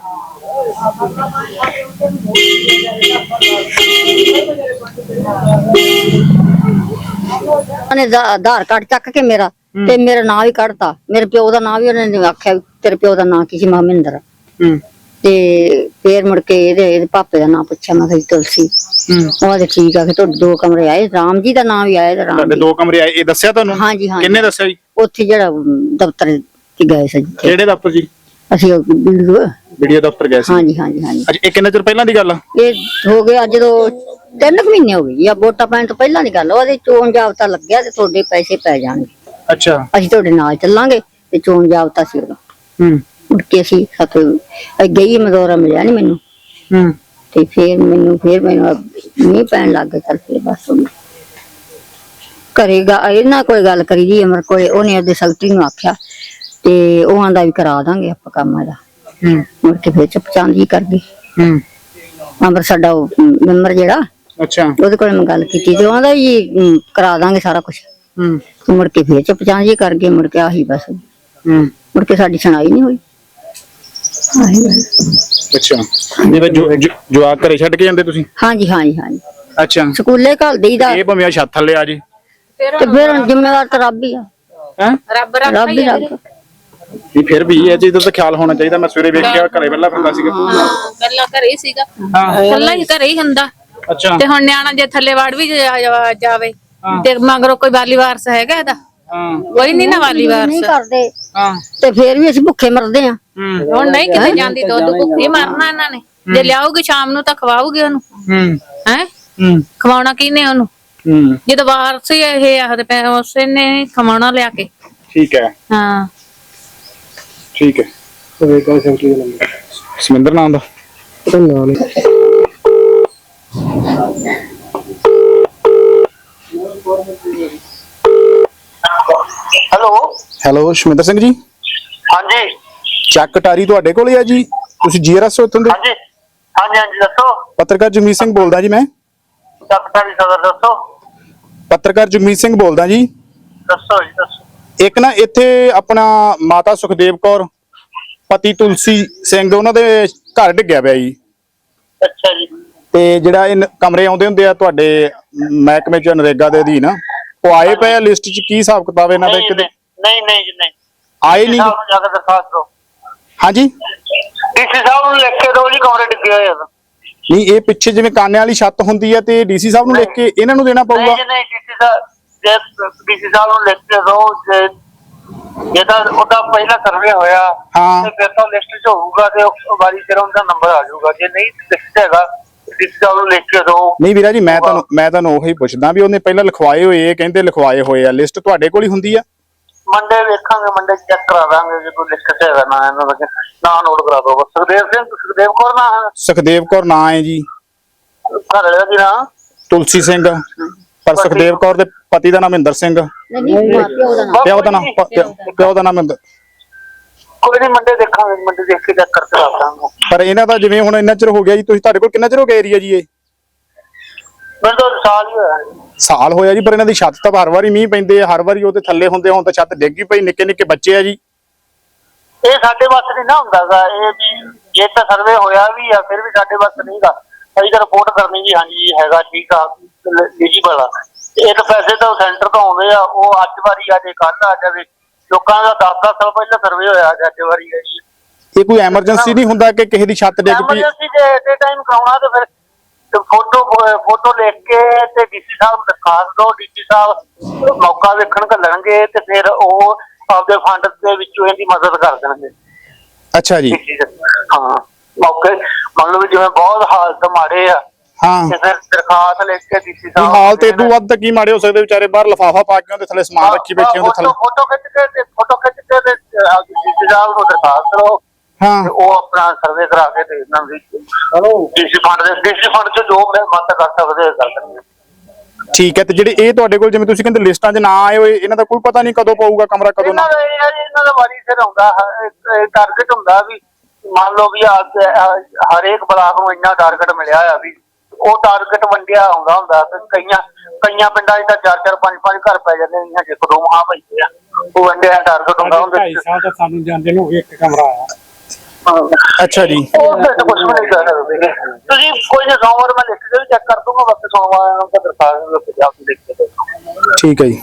S1: ਉਹਨੇ ਆਧਾਰ ਕਾਰਡ ਚੱਕ ਕੇ ਮੇਰਾ ਤੇ ਮੇਰਾ ਨਾਂ ਵੀ ਕੱਢਤਾ, ਮੇਰੇ ਪਿਓ ਦਾ ਨਾਂ ਵੀ ਉਹਨੇ ਆਖਿਆ ਤੇਰੇ ਪਿਓ ਦਾ ਨਾਂ ਕੀ ਸੀ? ਮਹਿੰਦਰ। ਤੇ ਫੇਰ ਮੁੜ ਕੇ ਇਹਦੇ ਇਹਦੇ ਪਾਪੇ ਦਾ ਨਾਂ ਪੁੱਛਿਆ, ਮੈਂ ਕਿਹਾ ਤੁਲਸੀ। ਉਹ ਤੇ ਠੀਕ ਆ, ਕਿ ਤੁਹਾਡੇ ਦੋ ਕਮਰੇ ਆਏ, ਰਾਮ ਜੀ ਦਾ ਨਾਂ ਵੀ ਆਇਆ।
S2: ਤੁਹਾਡੇ ਦੋ ਕਮਰੇ ਆਏ, ਇਹ ਦੱਸਿਆ ਤੁਹਾਨੂੰ?
S1: ਹਾਂਜੀ ਹਾਂਜੀ।
S2: ਕਿੰਨੇ ਦੱਸਿਆ ਜੀ?
S1: ਉੱਥੇ ਜਿਹੜਾ ਦਫ਼ਤਰ ਚ ਗਏ ਸੀ।
S2: ਕਿਹੜੇ ਦਫ਼ਤਰ ਜੀ?
S1: ਅਸੀਂ
S2: ਵੀਡੀਓ ਦਫ਼ਤਰ ਗਏ ਸੀ।
S1: ਹਾਂਜੀ ਹਾਂਜੀ ਹਾਂਜੀ
S2: ਅੱਛਾ, ਇਹ ਕਿੰਨੇ ਚਿਰ ਪਹਿਲਾਂ ਦੀ ਗੱਲ ਆ?
S1: ਇਹ ਹੋ ਗਿਆ ਜਦੋਂ ਤਿੰਨ ਕੁ ਮਹੀਨੇ ਹੋ ਗਏ ਆ, ਵੋਟਾਂ ਪੈਣ ਤੋਂ ਪਹਿਲਾਂ ਦੀ ਗੱਲ ਆ। ਉਹਦੇ ਚੋਣ ਜਾਬਤਾ ਲੱਗਿਆ ਤੇ ਤੁਹਾਡੇ ਪੈਸੇ ਪੈ ਜਾਣਗੇ,
S2: ਅੱਛਾ।
S1: ਅਸੀਂ ਤੁਹਾਡੇ ਨਾਲ ਚੱਲਾਂਗੇ। ਤੇ ਚੋਣ ਜਾਬਤਾ ਸੀ ਉਹਦਾ।
S2: ਹੂੰ
S1: ਮੁੜ ਕੇ ਅਸੀਂ ਸਾਥੋਂ ਗਈ ਮਦੌਰਾ ਮਿਲਿਆ ਨੀ ਮੈਨੂੰ।
S2: ਹੂੰ
S1: ਤੇ ਫੇਰ ਮੈਨੂੰ ਫੇਰ ਮੈਨੂੰ ਨਹੀਂ ਪੈਣ ਲੱਗ ਗਿਆ। ਚੱਲ ਫੇਰ ਬਸ ਉਹਨੇ ਕਰੇਗਾ ਇਹਨਾਂ ਕੋਈ ਗੱਲ ਕਰੀ ਜੀ ਅਮਰ ਕੋਲੇ। ਉਹਨੇ ਉਹਦੇ ਸੈਕਟਰੀ ਨੂੰ ਆਖਿਆ ਤੇ ਉਹ ਆਂਦਾ ਵੀ ਕਰਾ ਦਾਂਗੇ ਆਪਾਂ ਕੰਮ ਇਹਦਾ।
S2: ਹੂੰ
S1: ਮੁੜ ਕੇ ਫੇਰ ਚੁੱਪਚਾਂਦੀ ਕਰ ਗਈ।
S2: ਹੂੰ
S1: ਅਮਰ ਸਾਡਾ ਉਹ ਮੈਂਬਰ ਜਿਹੜਾ,
S2: ਅੱਛਾ।
S1: ਉਹਦੇ ਕੋਲ ਮੈਂ ਗੱਲ ਕੀਤੀ ਤੇ ਉਹਦਾ ਜੀ ਅਮ, ਕਰਾ ਦਾਂਗੇ ਸਾਰਾ ਕੁਝ।
S2: ਹੂੰ
S1: ਤੇ ਮੁੜ ਕੇ ਫੇਰ ਚੁੱਪਚਾਂਦੀ ਕਰ ਗਏ। ਮੁੜ ਕੇ ਆਹੀ ਬਸ,
S2: ਹੂੰ
S1: ਮੁੜ ਕੇ ਸਾਡੀ ਸੁਣਾਈ ਨਹੀਂ ਹੋਈ। ਆਹੀ ਗੱਲ।
S2: ਅੱਛਾ, ਜਿਵੇਂ ਜੋ- ਜੋ- ਜਵਾਕ ਘਰੇ ਛੱਡ ਕੇ ਜਾਂਦੇ ਤੁਸੀਂ?
S1: ਹਾਂਜੀ ਹਾਂਜੀ ਹਾਂਜੀ
S2: ਅੱਛਾ।
S1: ਸਕੂਲੇ ਘੱਲ ਦੇਈਦਾ
S2: ਇਹ ਭਾਵੇਂ ਛੱਤ ਥੱਲੇ ਆ ਜੀ।
S1: ਤੇ ਫਿਰ ਜ਼ਿੰਮੇਵਾਰ ਤਾਂ ਰੱਬ ਹੀ ਆ।
S2: ਹੈ
S8: ਰੱਬ ਰੱਬ
S1: ਰੱਬ ਹੀ ਰੱਬ।
S2: ਨਹੀਂ ਫਿਰ ਵੀ ਇਹ ਚੀਜ਼ ਦਾ ਤਾਂ ਖਿਆਲ ਹੋਣਾ ਚਾਹੀਦਾ। ਮੈਂ ਸਵੇਰੇ ਵੇਖਿਆ ਘਰੇ ਪਹਿਲਾਂ ਫਿਰਦਾ ਸੀਗਾ।
S8: ਪਹਿਲਾਂ ਘਰੇ ਹੀ ਸੀਗਾ,
S2: ਹਾਂ।
S8: ਕੱਲਾ ਹੀ ਘਰੇ ਹੀ ਹੁੰਦਾ।
S2: ਅੱਛਾ।
S8: ਤੇ ਹੁਣ ਨਿਆਣਾ ਜੇ ਥੱਲੇ ਵੜ ਵੀ ਜਾ- ਜਾਵੇ ਤੇ ਮਗਰੋਂ ਕੋਈ ਵਾਲੀ ਵਾਰਸ ਹੈਗਾ ਇਹਦਾ?
S2: ਹਾਂ।
S8: ਕੋਈ ਨਹੀਂ ਨਾ ਵਾਲੀ
S1: ਨਹੀਂ
S8: ਵਾਰਸ।
S1: ਕਰਦੇ
S2: ਹਾਂ।
S1: ਤੇ ਫੇਰ ਵੀ ਅਸੀਂ ਭੁੱਖੇ ਮਰਦੇ ਆ।
S8: ਹੁਣ ਨਹੀਂ ਕਿਤੇ ਜਾਂਦੀ, ਦੁੱਧ ਭੁੱਖੀ ਮਰਨਾ ਇਹਨਾਂ ਨੇ। ਜੇ ਲਿਆਉਗੀ ਸ਼ਾਮ ਨੂੰ ਤਾਂ ਖਵਾਉਗੀ ਉਹਨੂੰ।
S2: ਹੂੰ
S8: ਹੈ
S2: ਹੂੰ
S8: ਖਵਾਉਣਾ ਕਿਹਨੇ ਉਹਨੂੰ?
S2: ਹੂੰ
S8: ਜਦੋਂ ਵਾਰਸ ਹੀ ਇਹ ਆਖਦੇ ਪਏ ਉਸੇ ਨੇ ਖਵਾਉਣਾ ਲਿਆ ਕੇ।
S2: ਠੀਕ ਹੈ।
S8: ਹਾਂ
S2: ਠੀਕ ਹੈ। ਸਮਿੰਦਰ ਨਾਮ ਦਾ
S3: ਹੈਲੋ
S2: ਹੈਲੋ ਸ਼ਮਿੰਦਰ ਸਿੰਘ ਜੀ,
S3: ਹਾਂਜੀ
S2: ਚੱਕ ਟਾਰੀ ਤੁਹਾਡੇ ਕੋਲ ਹੀ ਆ ਜੀ? ਤੁਸੀਂ ਜੀਆਰਐਸ ਹੋ ਇੱਥੋਂ ਦੇ?
S3: ਹਾਂਜੀ ਹਾਂਜੀ ਹਾਂਜੀ ਦੱਸੋ।
S2: ਪੱਤਰਕਾਰ ਜਗਮੀਤ ਸਿੰਘ ਬੋਲਦਾ ਜੀ। ਮੈਂ
S3: ਸੈਕਟਰੀ ਸਦਰ ਦੱਸੋ।
S2: ਪੱਤਰਕਾਰ ਜਗਮੀਤ ਸਿੰਘ ਬੋਲਦਾ ਜੀ।
S3: ਦੱਸੋ ਜੀ ਦੱਸੋ।
S2: ਇੱਕ ਨਾ ਇੱਥੇ ਆਪਣਾ ਮਾਤਾ ਸੁਖਦੇਵ ਕੌਰ ਪਤੀ ਤੁਲਸੀ ਸਿੰਘ, ਉਹਨਾਂ ਦੇ ਘਰ ਡਿੱਗਿਆ ਪਿਆ ਜੀ।
S3: ਅੱਛਾ ਜੀ।
S2: ਤੇ ਜਿਹੜਾ ਇਹ ਨ- ਕਮਰੇ ਆਉਂਦੇ ਹੁੰਦੇ ਆ ਤੁਹਾਡੇ ਮਹਿਕਮੇ ਚ ਨਰੇਗਾ ਦੇ ਅਧੀਨ, ਉਹ ਆਏ ਪਏ ਆ ਲਿਸਟ ਚ? ਕੀ ਹਿਸਾਬ ਕਿਤਾਬ ਇਹਨਾਂ ਦਾ?
S3: ਨਹੀਂ
S2: ਕਿਤੇ
S3: ਨਹੀਂ ਨਹੀਂ ਜੀ ਨਹੀਂ।
S2: ਆਏ ਨਹੀਂ?
S3: ਸਾਹਿਬ ਨੂੰ ਜਾ ਕੇ ਦਰਖਾਸਤ ਦਿਓ।
S2: ਹਾਂਜੀ।
S3: ਡੀਸੀ ਸਾਹਿਬ ਨੂੰ ਲਿਖ ਕੇ ਦਿਓ ਜੀ ਕਮਰੇ ਡਿੱਗੇ ਹੋਏ ਆ।
S2: ਨਹੀਂ, ਇਹ ਪਿੱਛੇ ਜਿਵੇਂ ਕਾਨੇ ਵਾਲੀ ਛੱਤ ਹੁੰਦੀ ਹੈ ਤੇ ਡੀਸੀ ਸਾਹਿਬ ਨੂੰ ਲਿਖ ਕੇ ਇਹਨਾਂ ਨੂੰ ਦੇਣਾ ਪਊਗਾ?
S3: ਨਹੀਂ ਜੀ ਨਹੀਂ, ਡੀਸੀ ਸਾਹਿਬ ਜੇ ਡੀਸੀ ਸਾਹਿਬ ਨੂੰ ਲਿਖ ਕੇ ਦਿਓ। ਜੇ ਜੇ ਤਾਂ ਉਹਦਾ ਪਹਿਲਾ ਸਰਵੇ ਹੋਇਆ
S2: ਹਾਂ।
S3: ਤੇ ਫਿਰ ਤਾਂ ਲਿਸਟ 'ਚ ਹੋਊਗਾ ਤੇ ਉਹ ਵਾਰੀ ਸਿਰ ਉਹਦਾ ਨੰਬਰ ਆ ਜਾਊਗਾ। ਜੇ ਨਹੀਂ ਲਿਖਿਆ ਹੈਗਾ ਡੀਸੀ ਸਾਹਿਬ ਨੂੰ ਲਿਖ ਕੇ ਦਿਓ।
S2: ਨਹੀਂ ਵੀਰਾ ਜੀ, ਮੈਂ ਤੁਹਾਨੂੰ ਮੈਂ ਤੁਹਾਨੂੰ ਉਹੀ ਪੁੱਛਦਾ ਵੀ ਉਹਨੇ ਪਹਿਲਾਂ ਲਿਖਵਾਏ ਹੋਏ, ਕਹਿੰਦੇ ਲਿਖਵਾਏ ਹੋਏ ਆ। ਲਿਸਟ ਤੁਹਾਡੇ ਕੋਲ ਹੀ ਹੁੰਦੀ ਆ?
S3: ਮੰਡੇ ਵੇਖਾਂਗੇ, ਮੰਡੇ ਚੈੱਕ ਕਰਾ ਦਾਂਗੇ। ਜੇ ਕੋਈ ਲਿਸਟ ਹੈਗਾ ਨਾ ਇਹਨਾਂ ਦਾ ਨਾਂ ਨੋਟ ਕਰਾ ਦਿਓ। ਸੁਖਦੇਵ ਸਿੰਘ, ਸੁਖਦੇਵ ਕੌਰ ਨਾ
S2: ਸੁਖਦੇਵ ਕੌਰ ਨਾਂ ਹੈ ਜੀ।
S3: ਘਰ ਵਾਲੇ ਦਾ ਕੀ ਨਾਂ?
S2: ਤੁਲਸੀ ਸਿੰਘ, ਪਰ ਸੁਖਦੇਵ ਕੌਰ ਦੇ ਪਤੀ ਦਾ ਨਾਮ ਮਹਿੰਦਰ ਸਿੰਘ।
S1: ਨਹੀਂ ਨਹੀਂ ਪਿਓ ਦਾ ਨਾਮ।
S2: ਪਿਓ ਦਾ ਨਾਮ ਪ- ਪਿਓ ਦਾ ਨਾਮ ਮਹਿੰਦਰ।
S3: ਕੋਈ ਨਹੀਂ, ਮੰਡੇ ਦੇਖਾਂਗੇ, ਮੰਡੇ ਦੇਖ ਕੇ ਚੈੱਕ ਕਰਕੇ ਦੱਸ ਦਾਂਗੇ।
S2: ਪਰ ਇਹਨਾਂ ਦਾ ਜਿਵੇਂ ਹੁਣ ਇੰਨਾ ਚਿਰ ਹੋ ਗਿਆ ਜੀ, ਤੁਸੀਂ ਤੁਹਾਡੇ ਕੋਲ ਕਿੰਨਾ ਚਿਰ ਹੋ ਗਿਆ ਏਰੀਆ ਜੀ? ਇਹ
S3: ਮੈਨੂੰ ਤਾਂ ਸਾਲ ਹੀ ਹੋਇਆ।
S2: ਸਾਲ ਹੋਇਆ ਜੀ। ਪਰ ਇਹਨਾਂ ਦੀ ਛੱਤ ਤਾਂ ਹਰ ਵਾਰੀ ਮੀਂਹ ਪੈਂਦੇ ਆ, ਹਰ ਵਾਰੀ ਉਹਦੇ ਥੱਲੇ ਹੁੰਦੇ, ਹੁਣ ਤਾਂ ਛੱਤ ਡਿੱਗੀ ਪਈ, ਨਿੱਕੇ ਨਿੱਕੇ ਬੱਚੇ ਆ ਜੀ।
S3: ਇਹ ਸਾਡੇ ਵੱਸ ਨਹੀਂ ਨਾ ਹੁੰਦਾਗਾ। ਇਹ ਵੀ ਜੇ ਤਾਂ ਸਰਵੇ ਹੋਇਆ ਵੀ ਆ ਫਿਰ ਵੀ ਸਾਡੇ ਵੱਸ ਨਹੀਂਗਾ। ਅਸੀਂ ਤਾਂ ਰਿਪੋਰਟ ਕਰਨੀ ਜੀ, ਹਾਂਜੀ ਹੈਗਾ ਠੀਕ ਆ ਐਲੀਜੀਬਲ ਆ। ਇਹ ਤਾਂ ਪੈਸੇ ਤਾਂ ਸੈਂਟਰ ਤੋਂ ਆਉਂਦੇ ਆ। ਉਹ ਅੱਜ ਵਾਰੀ ਆ ਜੇ ਕੱਲ ਆ ਜਾਵੇ। ਲੋਕਾਂ ਦਾ ਦਸ ਦਸ ਸਾਲ ਪਹਿਲਾਂ ਸਰਵੇ ਹੋਇਆ, ਅੱਜ ਵਾਰੀ ਹੈ ਜੀ।
S2: ਇਹ ਕੋਈ ਐਮਰਜੈਂਸੀ ਨਹੀਂ ਹੁੰਦਾ ਕਿ ਕਿਸੇ ਦੀ ਛੱਤ ਡਿੱਗ ਪਈ?
S3: ਐਮਰਜੈਂਸੀ ਜੇ ਐਟ ਏ ਟਾਈਮ ਕਰਾਉਣਾ ਤੇ ਫਿਰ ਫੋਟੋ ਫੋਟੋ ਲਿਖ ਕੇ ਤੇ ਡੀਸੀ ਸਾਹਿਬ ਨੂੰ ਦਰਖਾਸਤ ਦਿਓ। ਡੀਸੀ ਸਾਹਿਬ ਮੌਕਾ ਵੇਖਣ ਘੱਲਣਗੇ ਤੇ ਫਿਰ ਉਹ ਆਪਦੇ ਫੰਡ ਦੇ ਵਿੱਚੋਂ ਇਹਦੀ ਮਦਦ ਕਰ ਦੇਣਗੇ।
S2: ਅੱਛਾ ਜੀ।
S3: ਹਾਂ, ਮੌਕੇ ਮੰਨ ਲਓ ਵੀ ਜਿਵੇਂ ਬਹੁਤ ਹਾਲਤ ਮਾੜੇ ਆ
S2: ਹਾਂ।
S3: ਤੇ ਫਿਰ ਦਰਖਾਸਤ ਲਿਖ ਕੇ ਡੀਸੀ
S2: ਵੀ
S3: ਸਾਹਿਬ
S2: ਹਾਲ ਤੇ ਇਦੋਂ ਵੱਧ ਤਾਂ ਕੀ ਮਾੜੇ ਹੋ ਸਕਦੇ? ਵਿਚਾਰੇ ਬਾਹਰ ਲਿਫਾਫਾ ਪਾ ਕੇ ਉਹਦੇ ਥੱਲੇ ਸਮਾਨ ਰੱਖੀ ਬੈਠੇ ਉਹਦੇ ਥੱਲੇ।
S3: ਫੋਟੋ ਖਿੱਚ ਕੇ ਤੇ ਫੋਟੋ ਖਿੱਚ ਕੇ ਤੇ ਡੀਸੀ ਸਾਹਿਬ ਨੂੰ ਦਰਖਾਸਤ ਕਰੋ।
S2: ਹਾਂ।
S3: ਤੇ ਉਹ ਆਪਣਾ ਸਰਵੇ ਕਰਾ ਕੇ ਤੇ ਇਹਨਾਂ ਦੀ ਡੀਸੀ ਫੰਡ ਦੇ ਡੀਸੀ ਫੰਡ ਚ ਜੋ ਮਦਦ ਕਰ ਸਕਦੇ ਕਰ ਸਕਦੇ।
S2: ਠੀਕ ਹੈ। ਤੇ ਜਿਹੜੇ ਇਹ ਤੁਹਾਡੇ ਕੋਲ ਜਿਵੇਂ ਤੁਸੀਂ ਕਹਿੰਦੇ ਲਿਸਟਾਂ 'ਚ ਨਾ ਆਏ ਹੋਏ, ਇਹਨਾਂ ਦਾ ਕੋਈ ਪਤਾ ਨਹੀਂ ਕਦੋਂ ਪਊਗਾ ਕਮਰਾ, ਕਦੋਂ ਨਾ?
S3: ਇਹਨਾਂ ਦਾ ਇਹ ਹੈ ਜੀ, ਇਹਨਾਂ ਦਾ ਵਾਰੀ ਸਿਰ ਆਉਂਦਾ। ਟਾਰਗੇਟ ਹੁੰਦਾ ਵੀ ਮੰਨ ਲਓ ਵੀ ਹਰੇਕ ਬਲਾਕ ਨੂੰ ਇੰਨਾ ਟਾਰਗੇਟ ਮਿਲਿਆ ਆ ਵੀ ਉਹ ਟਾਰਗੇਟ ਵੰਡਿਆ ਆਉਂਦਾ ਹੁੰਦਾ। ਤੇ ਕਈਆਂ ਕਈਆਂ ਪਿੰਡਾਂ 'ਚ ਤਾਂ ਚਾਰ ਚਾਰ ਪੰਜ ਪੰਜ ਘਰ ਪੈ ਜਾਂਦੇ ਨੇ, ਜੇ ਦੋ ਮਹਾ ਪੈਂਦੇ ਆ। ਉਹ ਵੰਡਿਆ ਟਾਰਗੇਟ ਹੁੰਦਾ ਹੁੰਦਾ।
S5: ਢਾਈ ਸਾਲ ਤਾਂ ਸਾਨੂੰ ਜਾਂਦੇ ਨੂੰ ਇੱਕ ਕਮਰਾ ਆਇਆ।
S2: ਅੱਛਾ ਜੀ।
S3: ਉਹ ਤਾਂ ਕੁਝ ਵੀ ਨਹੀਂ ਕਰ ਸਕਦੇ ਤੁਸੀਂ। ਕੋਈ ਨਾ, ਸੋਮਵਾਰ ਮੈਂ ਲਿਖ ਕੇ ਵੀ ਚੈੱਕ ਕਰ ਦੂੰਗਾ। ਬਸ ਸੋਮਵਾਰ ਨੂੰ ਤਾਂ ਦਰਖਾਸਤ ਲਿਖ ਕੇ ਆਪ ਲਿਖ ਕੇ।
S2: ਠੀਕ ਹੈ ਜੀ।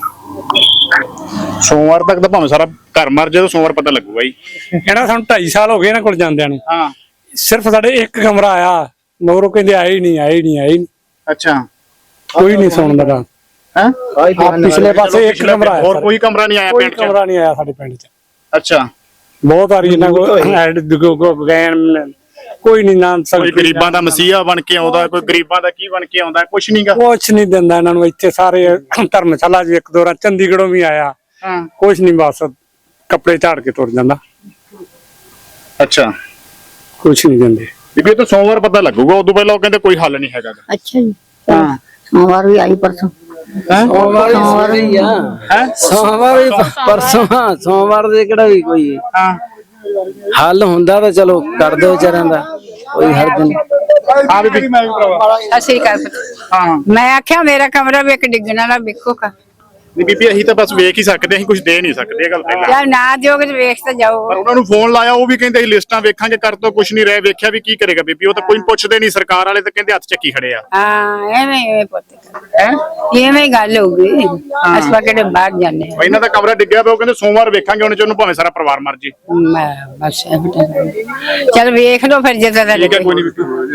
S2: ਸੋਮਵਾਰ ਤੱਕ ਤਾਂ ਭਾਵੇਂ ਸਾਰਾ ਘਰ ਮਰ ਜਾਏ, ਸੋਮਵਾਰ ਪਤਾ ਲੱਗੂਗਾ ਜੀ।
S5: ਇਹਨਾਂ ਸਾਨੂੰ ਢਾਈ ਸਾਲ ਹੋ ਗਏ ਇਹਨਾਂ ਕੋਲ ਜਾਂਦਿਆਂ ਨੂੰ।
S2: ਹਾਂ।
S5: ਸਿਰਫ ਸਾਡੇ ਇੱਕ ਕਮਰਾ ਆਇਆ, ਮਗਰੋਂ ਕਹਿੰਦੇ ਆਏ ਹੀ ਨਹੀਂ, ਆਏ ਹੀ ਨਹੀਂ, ਆਏ ਹੀ ਨਹੀਂ।
S2: ਅੱਛਾ।
S5: ਕੋਈ ਨਹੀਂ ਸੁਣਦਾ ਗਾ।
S2: ਹੈ
S5: ਪਿਛਲੇ ਪਾਸੇ ਇੱਕ ਕਮਰਾ ਆਇਆ।
S2: ਹੋਰ ਕੋਈ ਕਮਰਾ ਨਹੀਂ ਆਇਆ
S5: ਕੋਈ
S2: ਪਿੰਡ 'ਚ?
S5: ਕਮਰਾ ਨਹੀਂ ਆਇਆ ਸਾਡੇ ਪਿੰਡ 'ਚ।
S2: ਅੱਛਾ।
S10: ਬਹੁਤ ਵਾਰੀ ਇਹਨਾਂ ਕੋਲ ਐਡ ਗਏ ਕੋਈ ਨਹੀਂ ਨਾ
S2: ਕੋਈ ਗਰੀਬਾਂ ਦਾ ਮਸੀਹਾ ਬਣ ਕੇ ਆਉਂਦਾ, ਕੋਈ ਗਰੀਬਾਂ ਦਾ ਕੀ ਬਣ ਕੇ ਆਉਂਦਾ, ਕੁਛ ਨਹੀਂਗਾ।
S10: ਕੁਛ ਨਹੀਂ ਦਿੰਦਾ ਇਹਨਾਂ ਨੂੰ। ਇੱਥੇ ਸਾਰੇ ਧਰਮਸ਼ਾਲਾ ਜੀ ਇੱਕ ਦੋ ਵਾਰ ਚੰਡੀਗੜ੍ਹੋਂ ਵੀ ਆਇਆ, ਕੁਛ ਨਹੀਂ, ਬਸ ਕੱਪੜੇ ਝਾੜ ਕੇ ਤੁਰ ਜਾਂਦਾ।
S2: ਅੱਛਾ,
S10: ਕੁਛ ਨਹੀਂ ਦਿੰਦੇ।
S2: ਬੀਬੀ ਇਹ ਤਾਂ ਸੋਮਵਾਰ ਪਤਾ ਲੱਗੂਗਾ, ਉਦੋਂ ਪਹਿਲਾਂ ਉਹ ਕਹਿੰਦੇ ਕੋਈ ਹੱਲ ਨਹੀਂ ਹੈਗਾ।
S1: ਅੱਛਾ ਜੀ, ਹਾਂ ਸੋਮਵਾਰ ਵੀ ਆਈ ਪਰਸੋਂ।
S7: ਸੋਮਵਾਰ ਹੀ ਆ ਹੈ, ਸੋਮਵਾਰ ਵੀ ਪਰਸੋਂ, ਸੋਮਵਾਰ ਦੇ ਕਿਹੜਾ ਵੀ ਕੋਈ
S2: ਹਾਂ
S7: ਹੱਲ ਹੁੰਦਾ ਤਾਂ ਚਲੋ ਕਰ ਦਿਓ ਵਿਚਾਰਿਆਂ ਦਾ, ਕੋਈ ਹਰਜ ਨਹੀਂ।
S2: ਹਾਂ ਬੀਬੀ
S11: ਅਸੀਂ ਕਰ
S2: ਹਾਂ,
S11: ਮੈਂ ਆਖਿਆ ਮੇਰਾ ਕਮਰਾ ਵੀ ਇੱਕ ਡਿੱਗਣ ਵਾਲਾ ਵੇਖੋ ਕਾ।
S2: ਨਹੀਂ ਬੀਬੀ ਅਸੀਂ ਤਾਂ ਬਸ ਵੇਖ ਹੀ ਸਕਦੇ, ਅਸੀਂ ਕੁਝ ਦੇ ਨਹੀਂ ਸਕਦੇ, ਇਹ ਗੱਲ ਪਹਿਲਾਂ।
S11: ਯਾਰ ਨਾ ਦਿਓਗੇ ਤੇ ਵੇਖ ਤਾਂ ਜਾਓ।
S2: ਪਰ ਉਹਨਾਂ ਨੂੰ ਫੋਨ ਲਾਇਆ, ਉਹ ਵੀ ਕਹਿੰਦੇ ਅਸੀਂ ਲਿਸਟਾਂ ਵੇਖਾਂਗੇ, ਕਰ ਤੋਂ ਕੁਝ ਨਹੀਂ ਰਹਿ। ਵੇਖਿਆ ਵੀ ਕੀ ਕਰੇਗਾ ਬੀਬੀ, ਉਹ ਤਾਂ ਕੋਈ ਪੁੱਛਦੇ ਨਹੀਂ। ਸਰਕਾਰ ਵਾਲੇ ਤਾਂ ਕਹਿੰਦੇ ਹੱਥ ਚੱਕੀ ਖੜੇ ਆ।
S11: ਹਾਂ ਐਵੇਂ ਐਵੇਂ ਪੁੱਤ ਹੈ, ਐਵੇਂ ਗੱਲ ਹੋਊਗੀ। ਅਸੀਂ ਕਿਹੜੇ ਬਾਹਰ ਜਾਂਦੇ ਆ।
S2: ਇਹਨਾਂ ਦਾ ਕਮਰਾ ਡਿੱਗਿਆ ਪਿਆ, ਉਹ ਕਹਿੰਦੇ ਸੋਮਵਾਰ ਵੇਖਾਂਗੇ, ਉਹਨੇ ਚ ਉਹਨੂੰ ਭਾਵੇਂ ਸਾਰਾ ਪਰਿਵਾਰ ਮਰ ਜੇ।
S11: ਮੈਂ ਬਸ ਚਲ ਵੇਖ ਲਓ ਫਿਰ ਜਿੱਦਾਂ ਦਾ
S2: ਠੀਕ ਹੈ, ਕੋਈ ਨਹੀਂ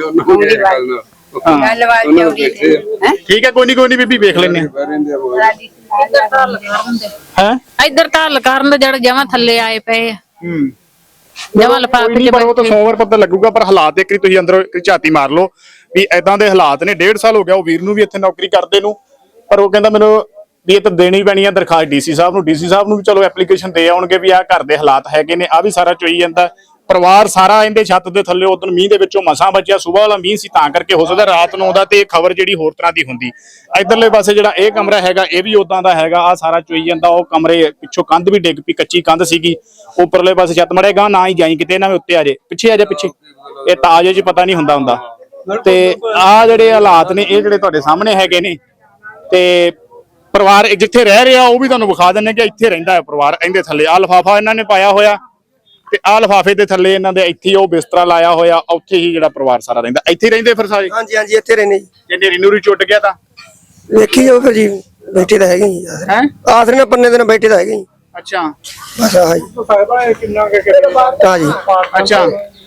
S11: ਗੱਲਬਾਤ ਚੱਲਦੀ ਹੈ।
S2: ਠੀਕ ਹੈ, ਕੋਈ ਨਹੀਂ ਕੋਈ ਨਹੀਂ ਬੀਬੀ, ਵੇਖ ਲੈਣੇ
S8: ਹੈ। ਇੱਧਰ ਤਾਂ ਹੱਲ ਕਰਨ ਦੇ ਜਿਹੜੇ ਜਮਾਂ ਥੱਲੇ ਆਏ ਪਏ ਆ,
S2: ਹੂੰ
S8: ਜਮਾਂ ਲਿਫਾਫੇ ਚ
S2: ਪਰ ਉਹ ਤਾਂ ਸੋਮਵਾਰ ਪਤਾ ਲੱਗੂਗਾ। ਪਰ ਹਾਲਾਤ ਇੱਕ ਵਾਰੀ ਤੁਸੀਂ ਅੰਦਰੋਂ ਝਾਤੀ ਮਾਰ ਲਓ ਵੀ ਏਦਾਂ ਦੇ ਹਾਲਾਤ ਨੇ। ਡੇਢ ਸਾਲ ਹੋ ਗਿਆ ਉਹ ਵੀਰ ਨੂੰ ਵੀ ਇੱਥੇ ਨੌਕਰੀ ਕਰਦੇ ਨੂੰ, ਪਰ ਉਹ ਕਹਿੰਦਾ ਮੈਨੂੰ ਵੀ ਇਹ ਤਾਂ ਦੇਣੀ ਪੈਣੀ ਆ ਦਰਖਾਸਤ ਡੀਸੀ ਸਾਹਿਬ ਨੂੰ। ਡੀਸੀ ਸਾਹਿਬ ਨੂੰ ਵੀ ਚਲੋ ਐਪਲੀਕੇਸ਼ਨ ਦੇ ਆਉਣਗੇ ਵੀ ਆਹ ਘਰ ਦੇ ਹਾਲਾਤ ਹੈਗੇ ਨੇ, ਆ ਵੀ ਸਾਰਾ ਚੋਈ ਜਾਂਦਾ। ਪਰਿਵਾਰ ਸਾਰਾ ਇਹਦੇ ਛੱਤ ਦੇ ਥੱਲੇ ਉਦੋਂ ਮੀਂਹ ਦੇ ਵਿੱਚੋਂ ਮਸਾਂ ਬਚਿਆ। ਸੁਬਾਹ ਵਾਲਾ ਮੀਂਹ ਸੀ ਤਾਂ ਕਰਕੇ ਹੋ ਸਕਦਾ ਰਾਤ ਨੂੰ ਆਉਂਦਾ ਤੇ ਇਹ ਖਬਰ ਜਿਹੜੀ ਹੋਰ ਤਰ੍ਹਾਂ ਦੀ ਹੁੰਦੀ। ਇਧਰਲੇ ਪਾਸੇ ਜਿਹੜਾ ਇਹ ਕਮਰਾ ਹੈਗਾ ਇਹ ਵੀ ਉਦਾਂ ਦਾ ਹੈਗਾ, ਆ ਸਾਰਾ ਚੋਈ ਜਾਂਦਾ। ਉਹ ਕਮਰੇ ਪਿੱਛੋਂ ਕੰਧ ਵੀ ਡਿੱਗ ਪਈ, ਕੱਚੀ ਕੰਧ ਸੀਗੀ। ਉੱਪਰਲੇ ਪਾਸੇ ਛੱਤ ਮੜੇਗਾ ਨਾ ਹੀ ਜਾਈ ਕਿਤੇ, ਇਹਨਾਂ ਦੇ ਉੱਤੇ ਆ ਜੇ, ਪਿੱਛੇ ਆ ਜਾ, ਪਿੱਛੇ ਇਹ ਤਾਜੇ ਚ ਪਤਾ ਨਹੀਂ ਹੁੰਦਾ ਹੁੰਦਾ। ਤੇ ਆ ਜਿਹੜੇ ਹਾਲਾਤ ਨੇ ਇਹ ਜਿਹੜੇ ਤੁਹਾਡੇ ਸਾਹਮਣੇ ਹੈਗੇ ਨੇ, ਤੇ ਪਰਿਵਾਰ ਜਿੱਥੇ ਰਹਿ ਰਿਹਾ ਉਹ ਵੀ ਤੁਹਾਨੂੰ ਵਿਖਾ ਦਿੰਨੇ ਕਿ ਇੱਥੇ ਰਹਿੰਦਾ ਹੈ ਪਰਿਵਾਰ। ਇਹਦੇ ਥੱਲੇ ਆ ਲਿਫਾਫਾ ਇਹਨਾਂ ਨੇ ਪਾਇਆ ਹੋਇਆ, ਤੇ ਆ ਲਿਫਾਫੇ ਦੇ ਥੱਲੇ ਇਹਨਾਂ ਦੇ ਇੱਥੇ ਉਹ ਬਿਸਤਰਾ ਲਾਇਆ ਹੋਇਆ, ਉੱਥੇ ਹੀ ਜਿਹੜਾ ਪਰਿਵਾਰ ਸਾਰਾ ਰਹਿੰਦਾ। ਇੱਥੇ ਹੀ ਰਹਿੰਦੇ ਫਿਰ ਸਾਰੇ?
S9: ਹਾਂਜੀ ਹਾਂਜੀ ਇੱਥੇ ਰਹਿੰਦੇ ਜੀ।
S2: ਜੇ ਨੇਰੀ ਨੂਰੀ ਟੁੱਟ ਗਿਆ ਤਾਂ
S9: ਵੇਖੀ ਜਾਓ ਫਿਰ ਜੀ, ਬੈਠੇ ਤਾਂ ਹੈਗੇ ਜੀ।
S2: ਹੈ
S9: ਆਸਰੇ ਨਾਲ ਪੰਨੇ ਦਿਨ ਬੈਠੇ ਤਾਂ ਹੈਗੇ ਜੀ।
S2: ਅੱਛਾ,
S9: ਬਸ ਆਹ ਜੀ। ਹਾਂ ਜੀ,
S2: ਅੱਛਾ।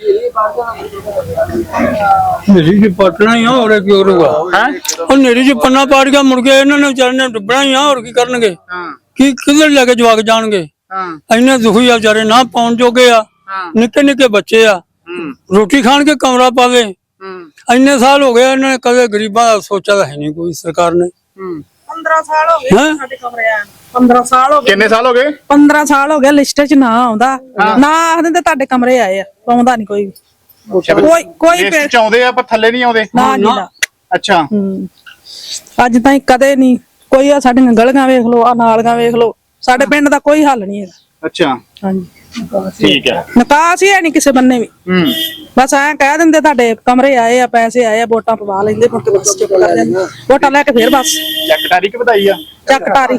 S10: ਨੇਰੀ ਜੀ ਪਟਣਾ ਹੀ ਆ, ਹੋਰ ਕੀ ਕਰੂਗਾ ਹੈ। ਉਹ ਨੇਰੀ ਜੀ ਪੰਨਾ ਪਾੜ ਗਿਆ, ਮੁੜ ਕੇ ਇਹਨਾਂ ਨੇ ਵਿਚਾਰੇ ਨੇ ਡੁੱਬਣਾ ਹੀ ਆ, ਹੋਰ ਕੀ ਕਰਨਗੇ। ਕੀ ਕਿੱਧਰ ਲੈ ਕੇ ਜਵਾਕ ਜਾਣਗੇ। ਇੰਨੇ ਦੁਖੀ ਆ ਵਿਚਾਰੇ, ਨਾ ਪਾਉਣ ਜੋਗੇ ਆ, ਨਿੱਕੇ ਨਿੱਕੇ ਬੱਚੇ ਆ, ਰੋਟੀ ਖਾਣ ਕੇ ਕਮਰਾ ਪਾਵੇ। ਇੰਨੇ ਸਾਲ ਹੋ ਗਏ, ਇਹਨਾਂ ਨੇ ਕਦੇ ਗਰੀਬਾਂ ਦਾ ਸੋਚਿਆ ਤਾਂ ਹੈ ਨਹੀਂ ਕੋਈ ਸਰਕਾਰ ਨੇ।
S6: ਪੰਦਰਾਂ ਸਾਲ ਹੋ ਗਏ ਸਾਡੇ ਕਮਰੇ ਆ, ਪੰਦਰਾਂ ਸਾਲ ਹੋ ਗਏ।
S2: ਕਿੰਨੇ ਸਾਲ ਹੋ ਗਏ?
S6: ਪੰਦਰਾਂ ਸਾਲ ਹੋ ਗਏ, ਲਿਸਟ 'ਚ ਨਾ ਆਉਂਦਾ, ਨਾ ਆਖਦੇ ਤੇ ਤੁਹਾਡੇ ਕਮਰੇ ਆਏ ਆ, ਪਾਉਂਦਾ ਨਹੀਂ ਕੋਈ ਵੀ। ਕੋਈ ਕੋਈ
S2: ਲਿਸਟ ਚ ਆਉਂਦੇ ਆ ਪਰ ਥੱਲੇ ਨਹੀਂ ਆਉਂਦੇ।
S6: ਨਾ ਜੀ ਨਾ।
S2: ਅੱਛਾ,
S6: ਹੂੰ ਅੱਜ ਤਾਈਂ ਕਦੇ ਨਹੀਂ ਕੋਈ। ਆ ਸਾਡੀਆਂ ਗਲੀਆਂ ਵੇਖ ਲਓ, ਆ ਨਾਲੀਆਂ ਵੇਖ ਲਓ, ਸਾਡੇ ਪਿੰਡ ਦਾ ਕੋਈ ਹੱਲ ਨਹੀਂ ਹੈਗਾ।
S2: ਅੱਛਾ,
S6: ਹਾਂਜੀ
S2: ਠੀਕ ਹੈ।
S6: ਨਿਕਾਸ ਹੀ ਹੈ ਨਹੀਂ ਕਿਸੇ ਬੰਨੇ ਵੀ।
S2: ਹੂੰ
S6: ਬਸ ਐਂ ਕਹਿ ਦਿੰਦੇ ਤੁਹਾਡੇ ਕਮਰੇ ਆਏ ਆ, ਪੈਸੇ ਆਏ ਆ, ਵੋਟਾਂ ਪਵਾ ਲੈਂਦੇ, ਮੁੜ ਕੇ ਬਸ ਚੁੱਪ ਕਰ ਜਾਂਦੇ, ਵੋਟਾਂ ਲੈ ਕੇ ਫੇਰ ਬਸ
S2: ਚੱਕ ਤਾਰੀਖ ਵਧਾਈ ਆ।
S6: ਚੱਕ ਟਾਰੀ।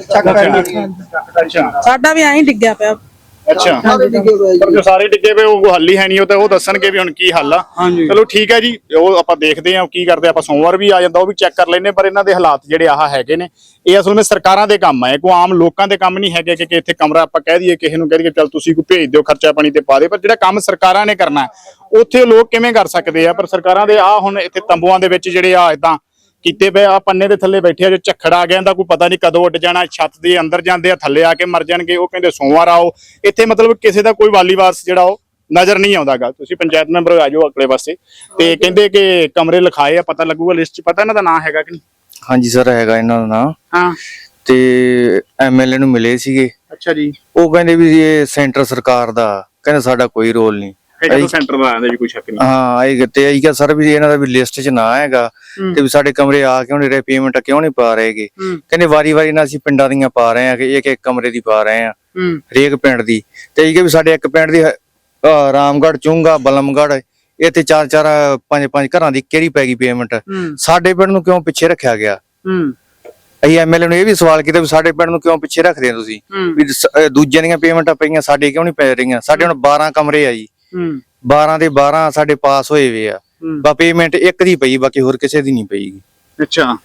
S2: ਅੱਛਾ
S6: ਸਾਡਾ ਵੀ ਐਂ ਡਿੱਗਿਆ ਪਿਆ।
S2: ਅੱਛਾ, ਪਰ ਜੋ ਸਾਰੇ ਡਿੱਗੇ ਪਏ ਉਹ ਹੱਲ ਹੀ ਹੈ ਨਹੀਂ। ਉਹ ਤਾਂ ਉਹ ਦੱਸਣਗੇ ਵੀ ਹੁਣ ਕੀ ਹੱਲ ਆ। ਚਲੋ ਠੀਕ ਹੈ ਜੀ, ਉਹ ਆਪਾਂ ਦੇਖਦੇ ਹਾਂ ਕੀ ਕਰਦੇ। ਆਪਾਂ ਸੋਮਵਾਰ ਵੀ ਆ ਜਾਂਦਾ, ਉਹ ਵੀ ਚੈੱਕ ਕਰ ਲੈਨੇ। ਪਰ ਇਹਨਾਂ ਦੇ ਹਾਲਾਤ ਜਿਹੜੇ ਆਹ ਹੈਗੇ ਨੇ, ਇਹ ਅਸਲ ਵਿੱਚ ਸਰਕਾਰਾਂ ਦੇ ਕੰਮ ਹੈ, ਕੋਈ ਆਮ ਲੋਕਾਂ ਦੇ ਕੰਮ ਨਹੀਂ ਹੈਗੇ ਕਿ ਇੱਥੇ ਕਮਰਾ ਆਪਾਂ ਕਹਿ ਦਈਏ ਕਿਸੇ ਨੂੰ, ਕਹਿ ਦਈਏ ਚੱਲ ਤੁਸੀਂ ਕੋਈ ਭੇਜ ਦਿਓ, ਖਰਚਾ ਪਾਣੀ ਤੇ ਪਾ ਦੇ। ਪਰ ਜਿਹੜਾ ਕੰਮ ਸਰਕਾਰਾਂ ਨੇ ਕਰਨਾ ਉੱਥੇ ਲੋਕ ਕਿਵੇਂ ਕਰ ਸਕਦੇ ਆ। ਪਰ ਸਰਕਾਰਾਂ ਦੇ ਆ ਹੁਣ ਇੱਥੇ ਤੰਬੂਆਂ ਦੇ ਵਿੱਚ ਜਿਹੜੇ ਆ ਏਦਾਂ ਕੀਤੇ ਪਏ ਆ, ਪੰਨੇ ਦੇ ਥੱਲੇ ਬੈਠੇ ਆ। ਜੋ ਝੱਖੜ ਆ ਗਿਆ ਦਾ ਕੋਈ ਪਤਾ ਨਹੀਂ ਕਦੋਂ ਉੱਡ ਜਾਣਾ, ਛੱਤ ਦੇ ਅੰਦਰ ਜਾਂਦੇ ਆ, ਥੱਲੇ ਆ ਕੇ ਮਰ ਜਾਣਗੇ। ਉਹ ਕਹਿੰਦੇ ਸੋਮਵਾਰ ਆਓ। ਇੱਥੇ ਮਤਲਬ ਕਿਸੇ ਦਾ ਕੋਈ ਵਾਲੀ ਵਾਰਸ ਜਿਹੜਾ ਉਹ ਨਜ਼ਰ ਨਹੀਂ ਆਉਂਦਾਗਾ। ਤੁਸੀਂ ਪੰਚਾਇਤ ਮੈਂਬਰ ਆ ਜਾਓ ਅਗਲੇ ਪਾਸੇ, ਤੇ ਕਹਿੰਦੇ ਕਿ ਕਮਰੇ ਲਿਖਾਏ ਆ, ਪਤਾ ਲੱਗੂਗਾ ਲਿਸਟ ਚ। ਪਤਾ ਇਹਨਾਂ ਦਾ ਨਾਂ ਹੈਗਾ ਕਿ ਨਹੀਂ?
S12: ਹਾਂਜੀ ਸਰ, ਹੈਗਾ ਇਹਨਾਂ ਦਾ ਨਾਂ।
S2: ਹਾਂ,
S12: ਤੇ ਐਮਐਲਏ ਨੂੰ ਮਿਲੇ ਸੀਗੇ।
S2: ਅੱਛਾ ਜੀ।
S12: ਉਹ ਕਹਿੰਦੇ ਵੀ ਇਹ ਸੈਂਟਰ ਸਰਕਾਰ ਦਾ, ਕਹਿੰਦੇ ਸਾਡਾ ਕੋਈ ਰੋਲ ਨਹੀਂ।
S2: ਸੈਂਟਰ ਦਾ ਆਂਦਾ ਜੀ, ਕੋਈ ਸ਼ੱਕ ਨਹੀਂ।
S12: ਹਾਂ, ਇਹ ਤੇ ਆਈ ਗਿਆ ਸਰ ਵੀ ਇਹਨਾਂ ਦਾ ਵੀ ਲਿਸਟ 'ਚ ਨਾ ਹੈਗਾ, ਤੇ ਵੀ ਸਾਡੇ ਕਮਰੇ ਆ ਕਿਉਂ ਨਹੀਂ ਰਹੇ, ਪੇਮੈਂਟ ਕਿਉਂ ਨਹੀਂ ਪਾ ਰਹੇਗੇ। ਕਹਿੰਦੇ ਵਾਰੀ ਵਾਰੀ ਨਾਲ ਅਸੀਂ ਪਿੰਡਾਂ ਦੀਆਂ ਪਾ ਰਹੇ ਆ, ਕਿ ਇੱਕ ਇੱਕ ਕਮਰੇ ਦੀ ਪਾ ਰਹੇ ਆ, ਹਰੇਕ ਪਿੰਡ ਦੀ। ਤੇ ਇਹ ਵੀ ਸਾਡੇ ਇੱਕ ਪਿੰਡ ਦੀ ਰਾਮਗੜ੍ਹ, ਚੁੰਗਾ, ਬਲਮਗੜ੍ਹ, ਇੱਥੇ ਚਾਰ ਚਾਰ ਪੰਜ ਪੰਜ ਘਰਾਂ ਦੀ ਕਿਹੜੀ ਪੈ ਗਈ ਪੇਮੈਂਟ। ਸਾਡੇ ਪਿੰਡ ਨੂੰ ਕਿਉਂ ਪਿੱਛੇ ਰੱਖਿਆ ਗਿਆ? ਅਸੀਂ ਐਮਐਲਏ ਨੂੰ ਇਹ ਵੀ ਸਵਾਲ ਕੀਤਾ ਵੀ ਸਾਡੇ ਪਿੰਡ ਨੂੰ ਕਿਉਂ ਪਿੱਛੇ ਰੱਖਦੇ ਹੋ ਤੁਸੀਂ, ਵੀ ਦੂਜਿਆਂ ਦੀਆਂ ਪੇਮੈਂਟਾਂ ਪਈਆਂ, ਸਾਡੇ ਕਿਉਂ ਨਹੀਂ ਪੈ ਰਹੀਆਂ। ਸਾਡੇ ਹੁਣ ਬਾਰਾਂ ਕਮਰੇ ਆ ਜੀ, ਬਾਰਾਂ ਦੇ ਬਾਰਾਂ ਸਾਡੇ ਪਾਸ ਹੋਏ ਵੇ ਆ, ਬਾ ਪੇਮੈਂਟ ਇੱਕ ਦੀ ਪਈ, ਬਾਕੀ ਹੋਰ ਕਿਸੇ ਦੀ ਨਹੀਂ ਪਈ।
S2: ਅੱਛਾ,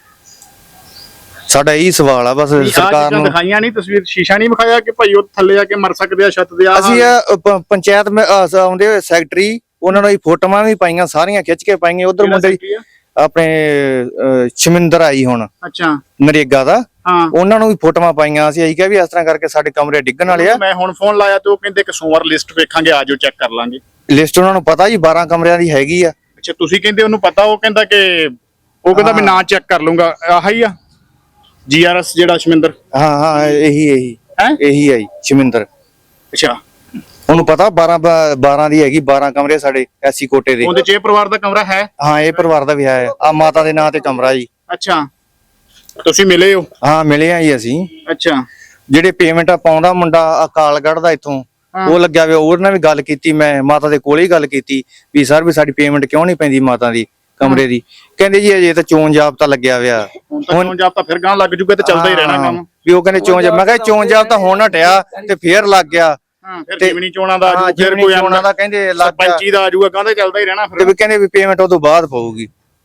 S12: ਸਾਡਾ ਇਹੀ ਸਵਾਲ ਆ ਬਸ ਸਰਕਾਰ ਨੂੰ।
S2: ਦਿਖਾਈਆਂ ਨਹੀਂ ਤਸਵੀਰ, ਸ਼ੀਸ਼ਾ ਨਹੀਂ ਵਿਖਾਇਆ ਕਿ ਭਾਈ ਉਹ ਥੱਲੇ ਆ ਕੇ ਮਰ ਸਕਦੇ ਆ ਛੱਤ ਦੇ।
S12: ਅਸੀਂ ਪੰਚਾਇਤ ਆਉਂਦੇ ਹੋਏ ਸੈਕਟਰੀ, ਉਹਨਾਂ ਨੂੰ ਫੋਟੋਆਂ ਵੀ ਪਾਈਆਂ, ਸਾਰੀਆਂ ਖਿੱਚ ਕੇ ਪਾਈਆਂ। ਉਧਰ ਮੁੰਡੇ ਆਪਣੇ ਸ਼ਮਿੰਦਰ ਆਈ ਹੁਣ,
S2: ਅੱਛਾ,
S12: ਨਰੇਗਾ ਦਾ, ਉਹਨਾਂ ਨੂੰ ਵੀ ਫੋਟੋਆਂ ਪਾਈਆਂ ਸੀ। ਅਸੀਂ ਕਿਹਾ ਵੀ ਇਸ ਤਰ੍ਹਾਂ ਕਰਕੇ ਸਾਡੇ ਕਮਰੇ ਡਿੱਗਣ ਵਾਲੇ ਆ।
S2: ਮੈਂ ਹੁਣ ਫੋਨ ਲਾਇਆ ਤੇ ਉਹ ਕਹਿੰਦੇ ਕਿ ਸੋਮਵਾਰ ਲਿਸਟ ਵੇਖਾਂਗੇ, ਆਜੋ ਚੈੱਕ ਕਰ ਲਾਂਗੇ।
S12: ਲਿਸਟ ਉਹਨਾਂ ਨੂੰ ਪਤਾ ਜੀ ਬਾਰਾਂ ਕਮਰਿਆਂ ਦੀ ਹੈਗੀ ਆ।
S2: ਅੱਛਾ, ਤੁਸੀਂ ਕਹਿੰਦੇ ਉਹਨੂੰ ਪਤਾ, ਉਹ ਕਹਿੰਦਾ ਕਿ ਉਹ ਕਹਿੰਦਾ ਮੈਂ ਨਾਂ ਚੈੱਕ ਕਰ ਲੂੰਗਾ। ਆਹੀ ਆ ਜੀਆਰਐਸ ਜਿਹੜਾ ਸ਼ਮਿੰਦਰ?
S12: ਹਾਂ ਹਾਂ ਇਹੀ ਇਹੀ
S2: ਹੈ
S12: ਇਹੀ ਹੈ ਜੀ ਸ਼ਮਿੰਦਰ।
S2: ਅੱਛਾ,
S12: ਉਹਨੂੰ ਪਤਾ ਬਾਰਾਂ ਬਾਰਾਂ ਦੀ ਹੈਗੀ, ਬਾਰਾਂ ਕਮਰੇ ਸਾਡੇ ਐਸੀ ਕੋਟੇ ਦੇ।
S2: ਉਹਦੇ ਚ ਇਹ ਪਰਿਵਾਰ ਦਾ ਕਮਰਾ ਹੈ?
S12: ਹਾਂ ਇਹ ਪਰਿਵਾਰ ਦਾ ਵੀ ਹੈ। ਆ ਮਾਤਾ ਦੇ ਨਾਂ ਤੇ ਕਮਰਾ ਜੀ।
S2: ਅੱਛਾ, ਤੁਸੀਂ ਮਿਲੇ ਹੋ?
S12: ਹਾਂ ਮਿਲੇ ਆ ਜੀ ਅਸੀਂ।
S2: ਅੱਛਾ,
S12: ਜਿਹੜੇ ਪੇਮੈਂਟ ਪਾਉਂਦਾ ਮੁੰਡਾ ਅਕਾਲਗੜ੍ਹ ਦਾ ਇੱਥੋਂ, ਉਹ ਲੱਗਿਆ ਵੇ, ਉਹਦੇ ਨਾਲ ਵੀ ਗੱਲ ਕੀਤੀ ਮੈਂ, ਮਾਤਾ ਦੇ ਕੋਲੇ ਹੀ ਗੱਲ ਕੀਤੀ ਵੀ ਸਰ ਵੀ ਸਾਡੀ ਪੇਮੈਂਟ ਕਿਉਂ ਨਹੀਂ ਪੈਂਦੀ ਮਾਤਾ ਦੀ ਕਮਰੇ ਦੀ। ਕਹਿੰਦੇ ਜੀ ਅਜੇ ਤਾਂ ਚੋਣ ਜਾਬਤਾ ਲੱਗਿਆ ਹੋਇਆ।
S2: ਹੁਣ ਤਾਂ ਚੋਣ ਜਾਬਤਾ ਫਿਰ ਗਾਂ ਲੱਗ ਜੂਗਾ ਤੇ ਚੱਲਦਾ ਹੀ ਰਹਿਣਾ ਕੰਮ
S12: ਵੀ। ਉਹ ਕਹਿੰਦੇ ਚੋਣ, ਮੈਂ ਕਿਹਾ ਚੋਣ ਜਾਬਤਾ ਹੁਣ ਹਟਿਆ ਤੇ ਫੇਰ ਲੱਗ ਗਿਆ।
S2: ਫਿਰ ਜਿਮਨੀ ਚੋਣਾਂ ਦਾ
S12: ਹਾਂ
S2: ਫਿਰ ਕੋਈ
S12: ਚੋਣਾਂ ਦਾ ਕਹਿੰਦੇ ਲੱਗ ਗਿਆ,
S2: ਸਰਪੰਚੀ ਦਾ ਆਜੂਗਾ, ਕਹਿੰਦਾ ਚੱਲਦਾ ਹੀ ਰਹਿਣਾ
S12: ਤੇ
S2: ਫਿਰ।
S12: ਵੀ ਕਹਿੰਦੇ ਵੀ ਪੇਮੈਂਟ ਉਦੋਂ ਬਾਅਦ ਪਊਗੀ।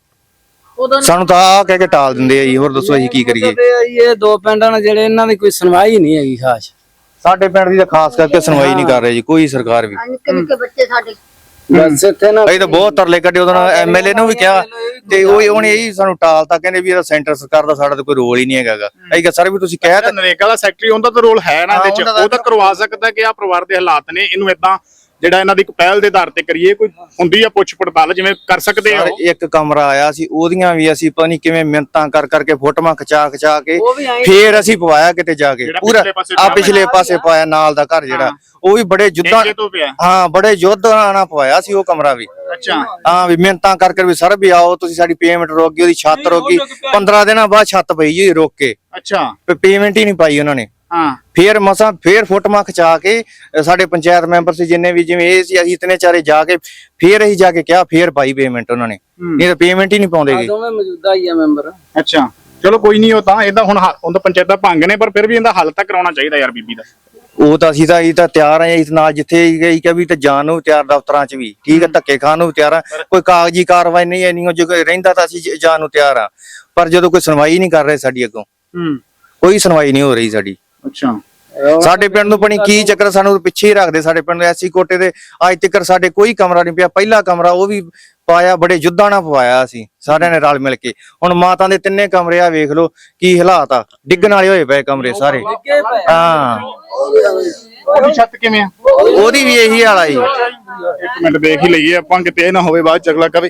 S12: ਸਾਨੂੰ ਤਾਂ ਆ ਕਹਿ ਕੇ ਟਾਲ ਦਿੰਦੇ ਆ ਜੀ। ਹੋਰ ਦੱਸੋ ਅਸੀਂ ਕੀ ਕਰੀਏ?
S7: ਇਹ ਦੋ ਪਿੰਡਾਂ ਨਾਲ ਜਿਹੜੇ ਇਹਨਾਂ ਦੀ ਕੋਈ ਸੁਣਵਾਈ ਨਹੀਂ ਹੈਗੀ ਖਾਸ।
S12: ਸਾਡੇ ਪਿੰਡ ਦੀ ਤਾਂ ਖਾਸ ਕਰਕੇ ਸੁਣਵਾਈ ਨਹੀਂ ਕਰ ਰਹੀ ਜੀ ਕੋਈ ਸਰਕਾਰ ਵੀ।
S1: ਨਿੱਕੇ ਨਿੱਕੇ ਬੱਚੇ ਸਾਡੇ
S7: ਬਸ ਇੱਥੇ ਨਾ
S12: ਅਸੀਂ ਤਾਂ ਬਹੁਤ ਤਰਲੇ ਕੱਢੇ, ਉਹਦਾ ਐਮਐਲਏ ਨੂੰ ਵੀ ਕਿਹਾ ਤੇ ਉਹ ਉਹਨੇ ਇਹੀ ਸਾਨੂੰ ਟਾਲਤਾ। ਕਹਿੰਦੇ ਵੀ ਇਹਦਾ ਸੈਂਟਰ ਸਰਕਾਰ ਦਾ ਸਾਡਾ ਤਾਂ ਕੋਈ ਰੋਲ ਹੀ ਨਹੀਂ ਹੈਗਾ। ਅਸੀਂ ਕਿਹਾ ਸਰ ਵੀ ਤੁਸੀਂ ਕਹਿ ਤਾਂ
S2: ਨਰੇਗਾ ਦਾ ਸੈਕਟਰੀ, ਉਹਦਾ ਤਾਂ ਰੋਲ ਹੈ ਨਾ ਇਹਦੇ ਚ, ਉਹ ਤਾਂ ਕਰਵਾ ਸਕਦਾ ਕਿ ਆ ਪਰਿਵਾਰ ਦੇ ਹਾਲਾਤ ਨੇ, ਇਹਨੂੰ ਏਦਾਂ ਜਿਹੜਾ ਇਹਨਾਂ ਦੀ ਇੱਕ ਪਹਿਲ ਦੇ ਆਧਾਰ ਤੇ ਕਰੀਏ, ਕੋਈ ਹੁੰਦੀ ਆ ਪੁੱਛ ਪੜਤਾਲ ਜਿਵੇਂ ਕਰ ਸਕਦੇ ਆ।
S12: ਇੱਕ ਕਮਰਾ ਆਇਆ ਸੀ, ਉਹਦੀਆਂ ਵੀ ਅਸੀਂ ਪਤਾ ਨਹੀਂ ਕਿਵੇਂ ਮਿਹਨਤਾਂ ਕਰ ਕਰਕੇ ਫੋਟੋਆਂ ਖਿਚਾ ਖਿਚਾ ਕੇ ਫੇਰ ਅਸੀਂ ਪਵਾਇਆ ਕਿਤੇ ਜਾ ਕੇ। ਪੂਰਾ ਆ ਪਿਛਲੇ ਪਾਸੇ ਪਾਇਆ ਨਾਲ ਦਾ ਘਰ ਜਿਹੜਾ, ਉਹ ਵੀ ਬੜੇ ਯੁੱਧਾਂ, ਹਾਂ ਬੜੇ ਯੁੱਧ ਨਾਲ ਪਵਾਇਆ ਸੀ ਉਹ ਕਮਰਾ ਵੀ।
S2: ਅੱਛਾ,
S12: ਹਾਂ ਵੀ ਮਿਹਨਤਾਂ ਕਰਕੇ ਵੀ ਸਰ ਵੀ ਆਓ ਤੁਸੀਂ, ਸਾਡੀ ਪੇਮੈਂਟ ਰੁਕ ਗਈ, ਉਹਦੀ ਛੱਤ ਰੁਕ ਗਈ। ਪੰਦਰਾਂ ਦਿਨਾਂ ਬਾਅਦ ਛੱਤ ਪਈ ਜੀ ਰੁਕ ਕੇ।
S2: ਅੱਛਾ,
S12: ਪੇਮੈਂਟ ਹੀ ਨਹੀਂ ਪਾਈ ਉਹਨਾਂ ਨੇ।
S2: ਹਾਂ,
S12: ਫੇਰ ਮਸਾਂ ਫੇਰ ਫੋਟੋਆਂ ਖਿਚਾ ਕੇ ਸਾਡੇ ਪੰਚਾਇਤ ਮੈਂਬਰ ਸੀ ਜਿੰਨੇ ਵੀ, ਜਿਵੇਂ ਇਹ ਸੀ, ਅਸੀਂ ਇਤਨੇ ਚਾਰੇ ਜਾ ਕੇ ਫੇਰ ਅਸੀਂ ਜਾ ਕੇ ਕਿਹਾ, ਫੇਰ ਪਾਈ ਪੇਮੈਂਟ ਉਹਨਾਂ ਨੇ। ਨਹੀਂ ਤਾਂ ਪੇਮੈਂਟ ਹੀ ਨਹੀਂ ਪਾਉਂਦੇਗੇ।
S7: ਦੋਵੇਂ ਮੌਜੂਦਾ ਹੀ ਆ ਮੈਂਬਰ।
S2: ਅੱਛਾ, ਚਲੋ ਕੋਈ ਨਹੀਂ, ਉਹ ਤਾਂ ਇਹਦਾ ਹੁਣ ਉਹਦਾ ਪੰਚਾਇਤਾਂ ਭੰਗ ਨੇ, ਪਰ ਫਿਰ ਵੀ ਇਹਦਾ ਹੱਲ ਤਾਂ ਕਰਾਉਣਾ ਚਾਹੀਦਾ ਯਾਰ ਬੀਬੀ ਦਾ।
S12: ਉਹ ਤਾਂ ਅਸੀਂ ਤਾਂ ਇਹ ਤਾਂ ਤਿਆਰ ਆ ਇਸ ਨਾਲ, ਜਿੱਥੇ ਗਈ ਕਿ ਵੀ ਤੇ ਜਾਣ ਨੂੰ ਤਿਆਰ, ਦਫ਼ਤਰਾਂ 'ਚ ਵੀ ਠੀਕ ਹੈ, ਧੱਕੇ ਖਾਣ ਨੂੰ ਤਿਆਰ ਆ। ਕੋਈ ਕਾਗਜ਼ੀ ਕਾਰਵਾਈ ਨਹੀਂ ਐਨੀ ਜੋ ਰਹਿੰਦਾ ਤਾਂ ਅਸੀਂ ਜਾਣ ਨੂੰ ਤਿਆਰ ਆ। ਪਰ ਜਦੋਂ ਕੋਈ ਸੁਣਵਾਈ ਨਹੀਂ ਕਰ ਰਹੇ ਸਾਡੀ ਅੱਗੋਂ, ਕੋਈ ਸੁਣਵਾਈ ਨਹੀਂ ਹੋ ਰਹੀ ਸਾਡੀ।
S2: ਅੱਛਾ,
S12: ਸਾਡੇ ਪਿੰਡ ਨੂੰ ਪਣੀ ਕੀ ਚੱਕਰ, ਸਾਨੂੰ ਪਿੱਛੇ ਹੀ ਰੱਖਦੇ। ਸਾਡੇ ਪਿੰਡ ਐਸੀ ਕੋਟੇ ਦੇ ਅੱਜ ਤੱਕ ਸਾਡੇ ਕੋਈ ਕਮਰਾ ਨਹੀਂ ਪਿਆ। ਪਹਿਲਾ ਕਮਰਾ ਉਹ ਵੀ ਪਾਇਆ ਬੜੇ ਯੁੱਧਾਂ ਨਾਲ ਪਵਾਇਆ ਸੀ ਸਾਰਿਆਂ ਨੇ ਰਲ ਮਿਲ ਕੇ। ਹੁਣ ਮਾਤਾ ਦੇ ਤਿੰਨੇ ਕਮਰੇ ਆ ਵੇਖ ਲਓ ਕੀ ਹਾਲਾਤ ਆ, ਡਿੱਗਣ ਵਾਲੇ ਹੋਏ ਪਏ ਕਮਰੇ ਸਾਰੇ। ਹਾਂ,
S2: ਉਹਦੀ ਛੱਤ ਕਿਵੇਂ ਆ?
S12: ਉਹਦੀ ਵੀ ਇਹੀ ਹਾਲ ਆ ਜੀ।
S2: ਇੱਕ ਮਿੰਟ ਦੇਖ ਹੀ ਲਈਏ ਆਪਾਂ, ਕਿਤੇ ਇਹ ਨਾ ਹੋਵੇ ਬਾਅਦ ਚਗਲਾ ਕਵੇ।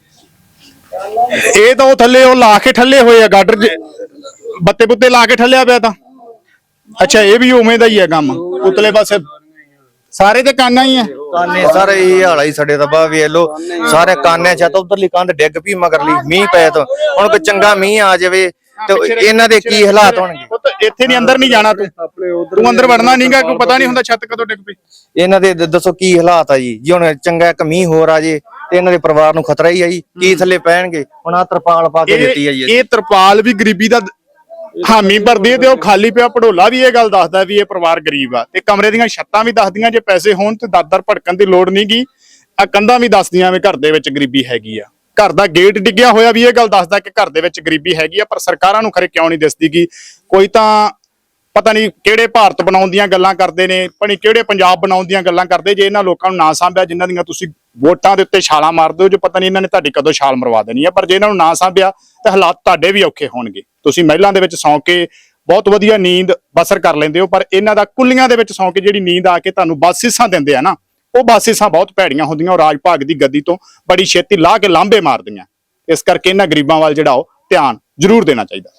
S2: ਇਹ ਤਾਂ ਉਹ ਥੱਲੇ ਉਹ ਲਾ ਕੇ ਠੱਲੇ ਹੋਏ ਆ ਗਾਡਰ, ਬੱਤੇ ਬੁੱਤੇ ਲਾ ਕੇ ਠੱਲਿਆ ਪਿਆ ਤਾਂ। ਅੱਛਾ, ਇਹ ਵੀ ਉਵੇਂ ਦਾ ਹੀ ਹੈ ਕੰਮ, ਉਤਲੇ ਪਾਸੇ ਸਾਰੇ ਤੇ ਕਾਨਾ ਹੀ ਆ।
S12: ਕਾਨੇ ਸਾਰੇ ਇਹ ਹਾਲ ਆ ਜੀ ਸਾਡੇ ਤਾਂ। ਬਾ ਵੇਖ ਲਓ ਸਾਰੇ ਕਾਨੇ ਛੱਤ, ਉਧਰਲੀ ਕੰਧ ਡਿੱਗ ਪਈ ਮਗਰਲੀ ਮੀਂਹ ਪਏ ਤਾਂ। ਹੁਣ ਕੋਈ ਚੰਗਾ ਮੀਂਹ ਆ ਜਾਵੇ ਤੇ ਇਹਨਾਂ ਦੇ ਕੀ ਹਾਲਾਤ ਹੋਣਗੇ।
S2: ਇੱਥੇ ਨਹੀਂ, ਅੰਦਰ ਨਹੀਂ ਜਾਣਾ ਤੂੰ, ਤੂੰ ਅੰਦਰ ਵੜਨਾ ਨਹੀਂਗਾ, ਕੋਈ ਪਤਾ ਨਹੀਂ ਹੁੰਦਾ ਛੱਤ ਕਦੋਂ ਡਿੱਗ ਪਈ।
S12: ਇਹਨਾਂ ਦੇ ਦੱਸੋ ਕੀ ਹਾਲਾਤ ਆ ਜੀ। ਜੇ ਹੁਣ ਚੰਗਾ ਇੱਕ ਮੀਂਹ ਹੋਰ ਆ ਜੇ ਤੇ ਇਹਨਾਂ ਦੇ ਪਰਿਵਾਰ ਨੂੰ ਖਤਰਾ ਹੀ ਆ ਜੀ, ਕੀ ਥੱਲੇ ਪੈਣਗੇ। ਹੁਣ ਆ ਤਰਪਾਲ ਪਾ ਕੇ ਦਿੱਤੀ ਆ ਜੀ।
S2: ਇਹ ਤਰਪਾਲ ਵੀ ਗਰੀਬੀ ਦਾ ਹਾਮੀ ਭਰਦੀ ਹੈ ਤੇ ਉਹ ਖਾਲੀ ਪਿਆ ਢੋਲਾ ਵੀ ਇਹ ਗੱਲ ਦੱਸਦਾ ਵੀ ਇਹ ਪਰਿਵਾਰ ਗਰੀਬ ਆ। ਤੇ ਕਮਰੇ ਦੀਆਂ ਛੱਤਾਂ ਵੀ ਦੱਸਦੀਆਂ ਜੇ ਪੈਸੇ ਹੋਣ ਤੇ ਦਾਦਰ ਭੜਕਣ ਦੀ ਲੋੜ ਨਹੀਂਗੀ। ਆ ਕੰਧਾਂ ਵੀ ਦੱਸਦੀਆਂ ਵੀ ਘਰ ਦੇ ਵਿੱਚ ਗਰੀਬੀ ਹੈਗੀ ਆ। ਘਰ ਦਾ ਗੇਟ ਡਿੱਗਿਆ ਹੋਇਆ ਵੀ ਇਹ ਗੱਲ ਦੱਸਦਾ ਕਿ ਘਰ ਦੇ ਵਿੱਚ ਗਰੀਬੀ ਹੈਗੀ ਆ। ਪਰ ਸਰਕਾਰਾਂ ਨੂੰ ਖਰੇ ਕਿਉਂ ਨਹੀਂ ਦਿਸਦੀ ਕਿ ਕੋਈ ਤਾਂ ਪਤਾ ਨਹੀਂ ਕਿਹੜੇ ਭਾਰਤ ਬਣਾਉਣ ਦੀਆਂ ਗੱਲਾਂ ਕਰਦੇ ਨੇ, ਪਣੀ ਕਿਹੜੇ ਪੰਜਾਬ ਬਣਾਉਣ ਦੀਆਂ ਗੱਲਾਂ ਕਰਦੇ। ਜੇ ਇਹਨਾਂ ਲੋਕਾਂ ਨੂੰ ਨਾ ਸਾਂਭਿਆ, ਜਿਨ੍ਹਾਂ ਦੀਆਂ ਤੁਸੀਂ ਵੋਟਾਂ ਦੇ ਉੱਤੇ ਛਾਲਾਂ ਮਾਰਦੇ ਹੋ, ਜੋ ਪਤਾ ਨਹੀਂ ਇਹਨਾਂ ਨੇ ਤੁਹਾਡੀ ਕਦੋਂ ਛਾਲ ਮਰਵਾ ਦੇਣੀ ਆ। ਪਰ ਜੇ ਇਹਨਾਂ ਨੂੰ ਨਾ ਸਾਂਭਿਆ ਤਾਂ ਹਾਲਾਤ ਤੁਹਾਡੇ ਵੀ ਔਖੇ ਹੋਣਗੇ। ਤੁਸੀਂ ਮਹਿਲਾਂ ਦੇ ਵਿੱਚ ਸੌਂ ਕੇ ਬਹੁਤ ਵਧੀਆ ਨੀਂਦ ਬਸਰ ਕਰ ਲੈਂਦੇ ਹੋ, ਪਰ ਇਹਨਾਂ ਦਾ ਕੁੱਲੀਆਂ ਦੇ ਵਿੱਚ ਸੌਂ ਕੇ ਜਿਹੜੀ ਨੀਂਦ ਆ ਕੇ ਤੁਹਾਨੂੰ ਬਸਿਸਾਂ ਦਿੰਦੇ ਆ ਨਾ, ਉਹ ਬਸਿਸਾਂ ਬਹੁਤ ਭੈੜੀਆਂ ਹੁੰਦੀਆਂ। ਉਹ ਰਾਜ ਭਾਗ ਦੀ ਗੱਦੀ ਤੋਂ ਬੜੀ ਛੇਤੀ ਲਾਹ ਕੇ ਲਾਂਭੇ ਮਾਰਦੀਆਂ। ਇਸ ਕਰਕੇ ਇਹਨਾਂ ਗਰੀਬਾਂ ਵੱਲ ਜਿਹੜਾ ਉਹ ਧਿਆਨ ਜ਼ਰੂਰ ਦੇਣਾ ਚਾਹੀਦਾ।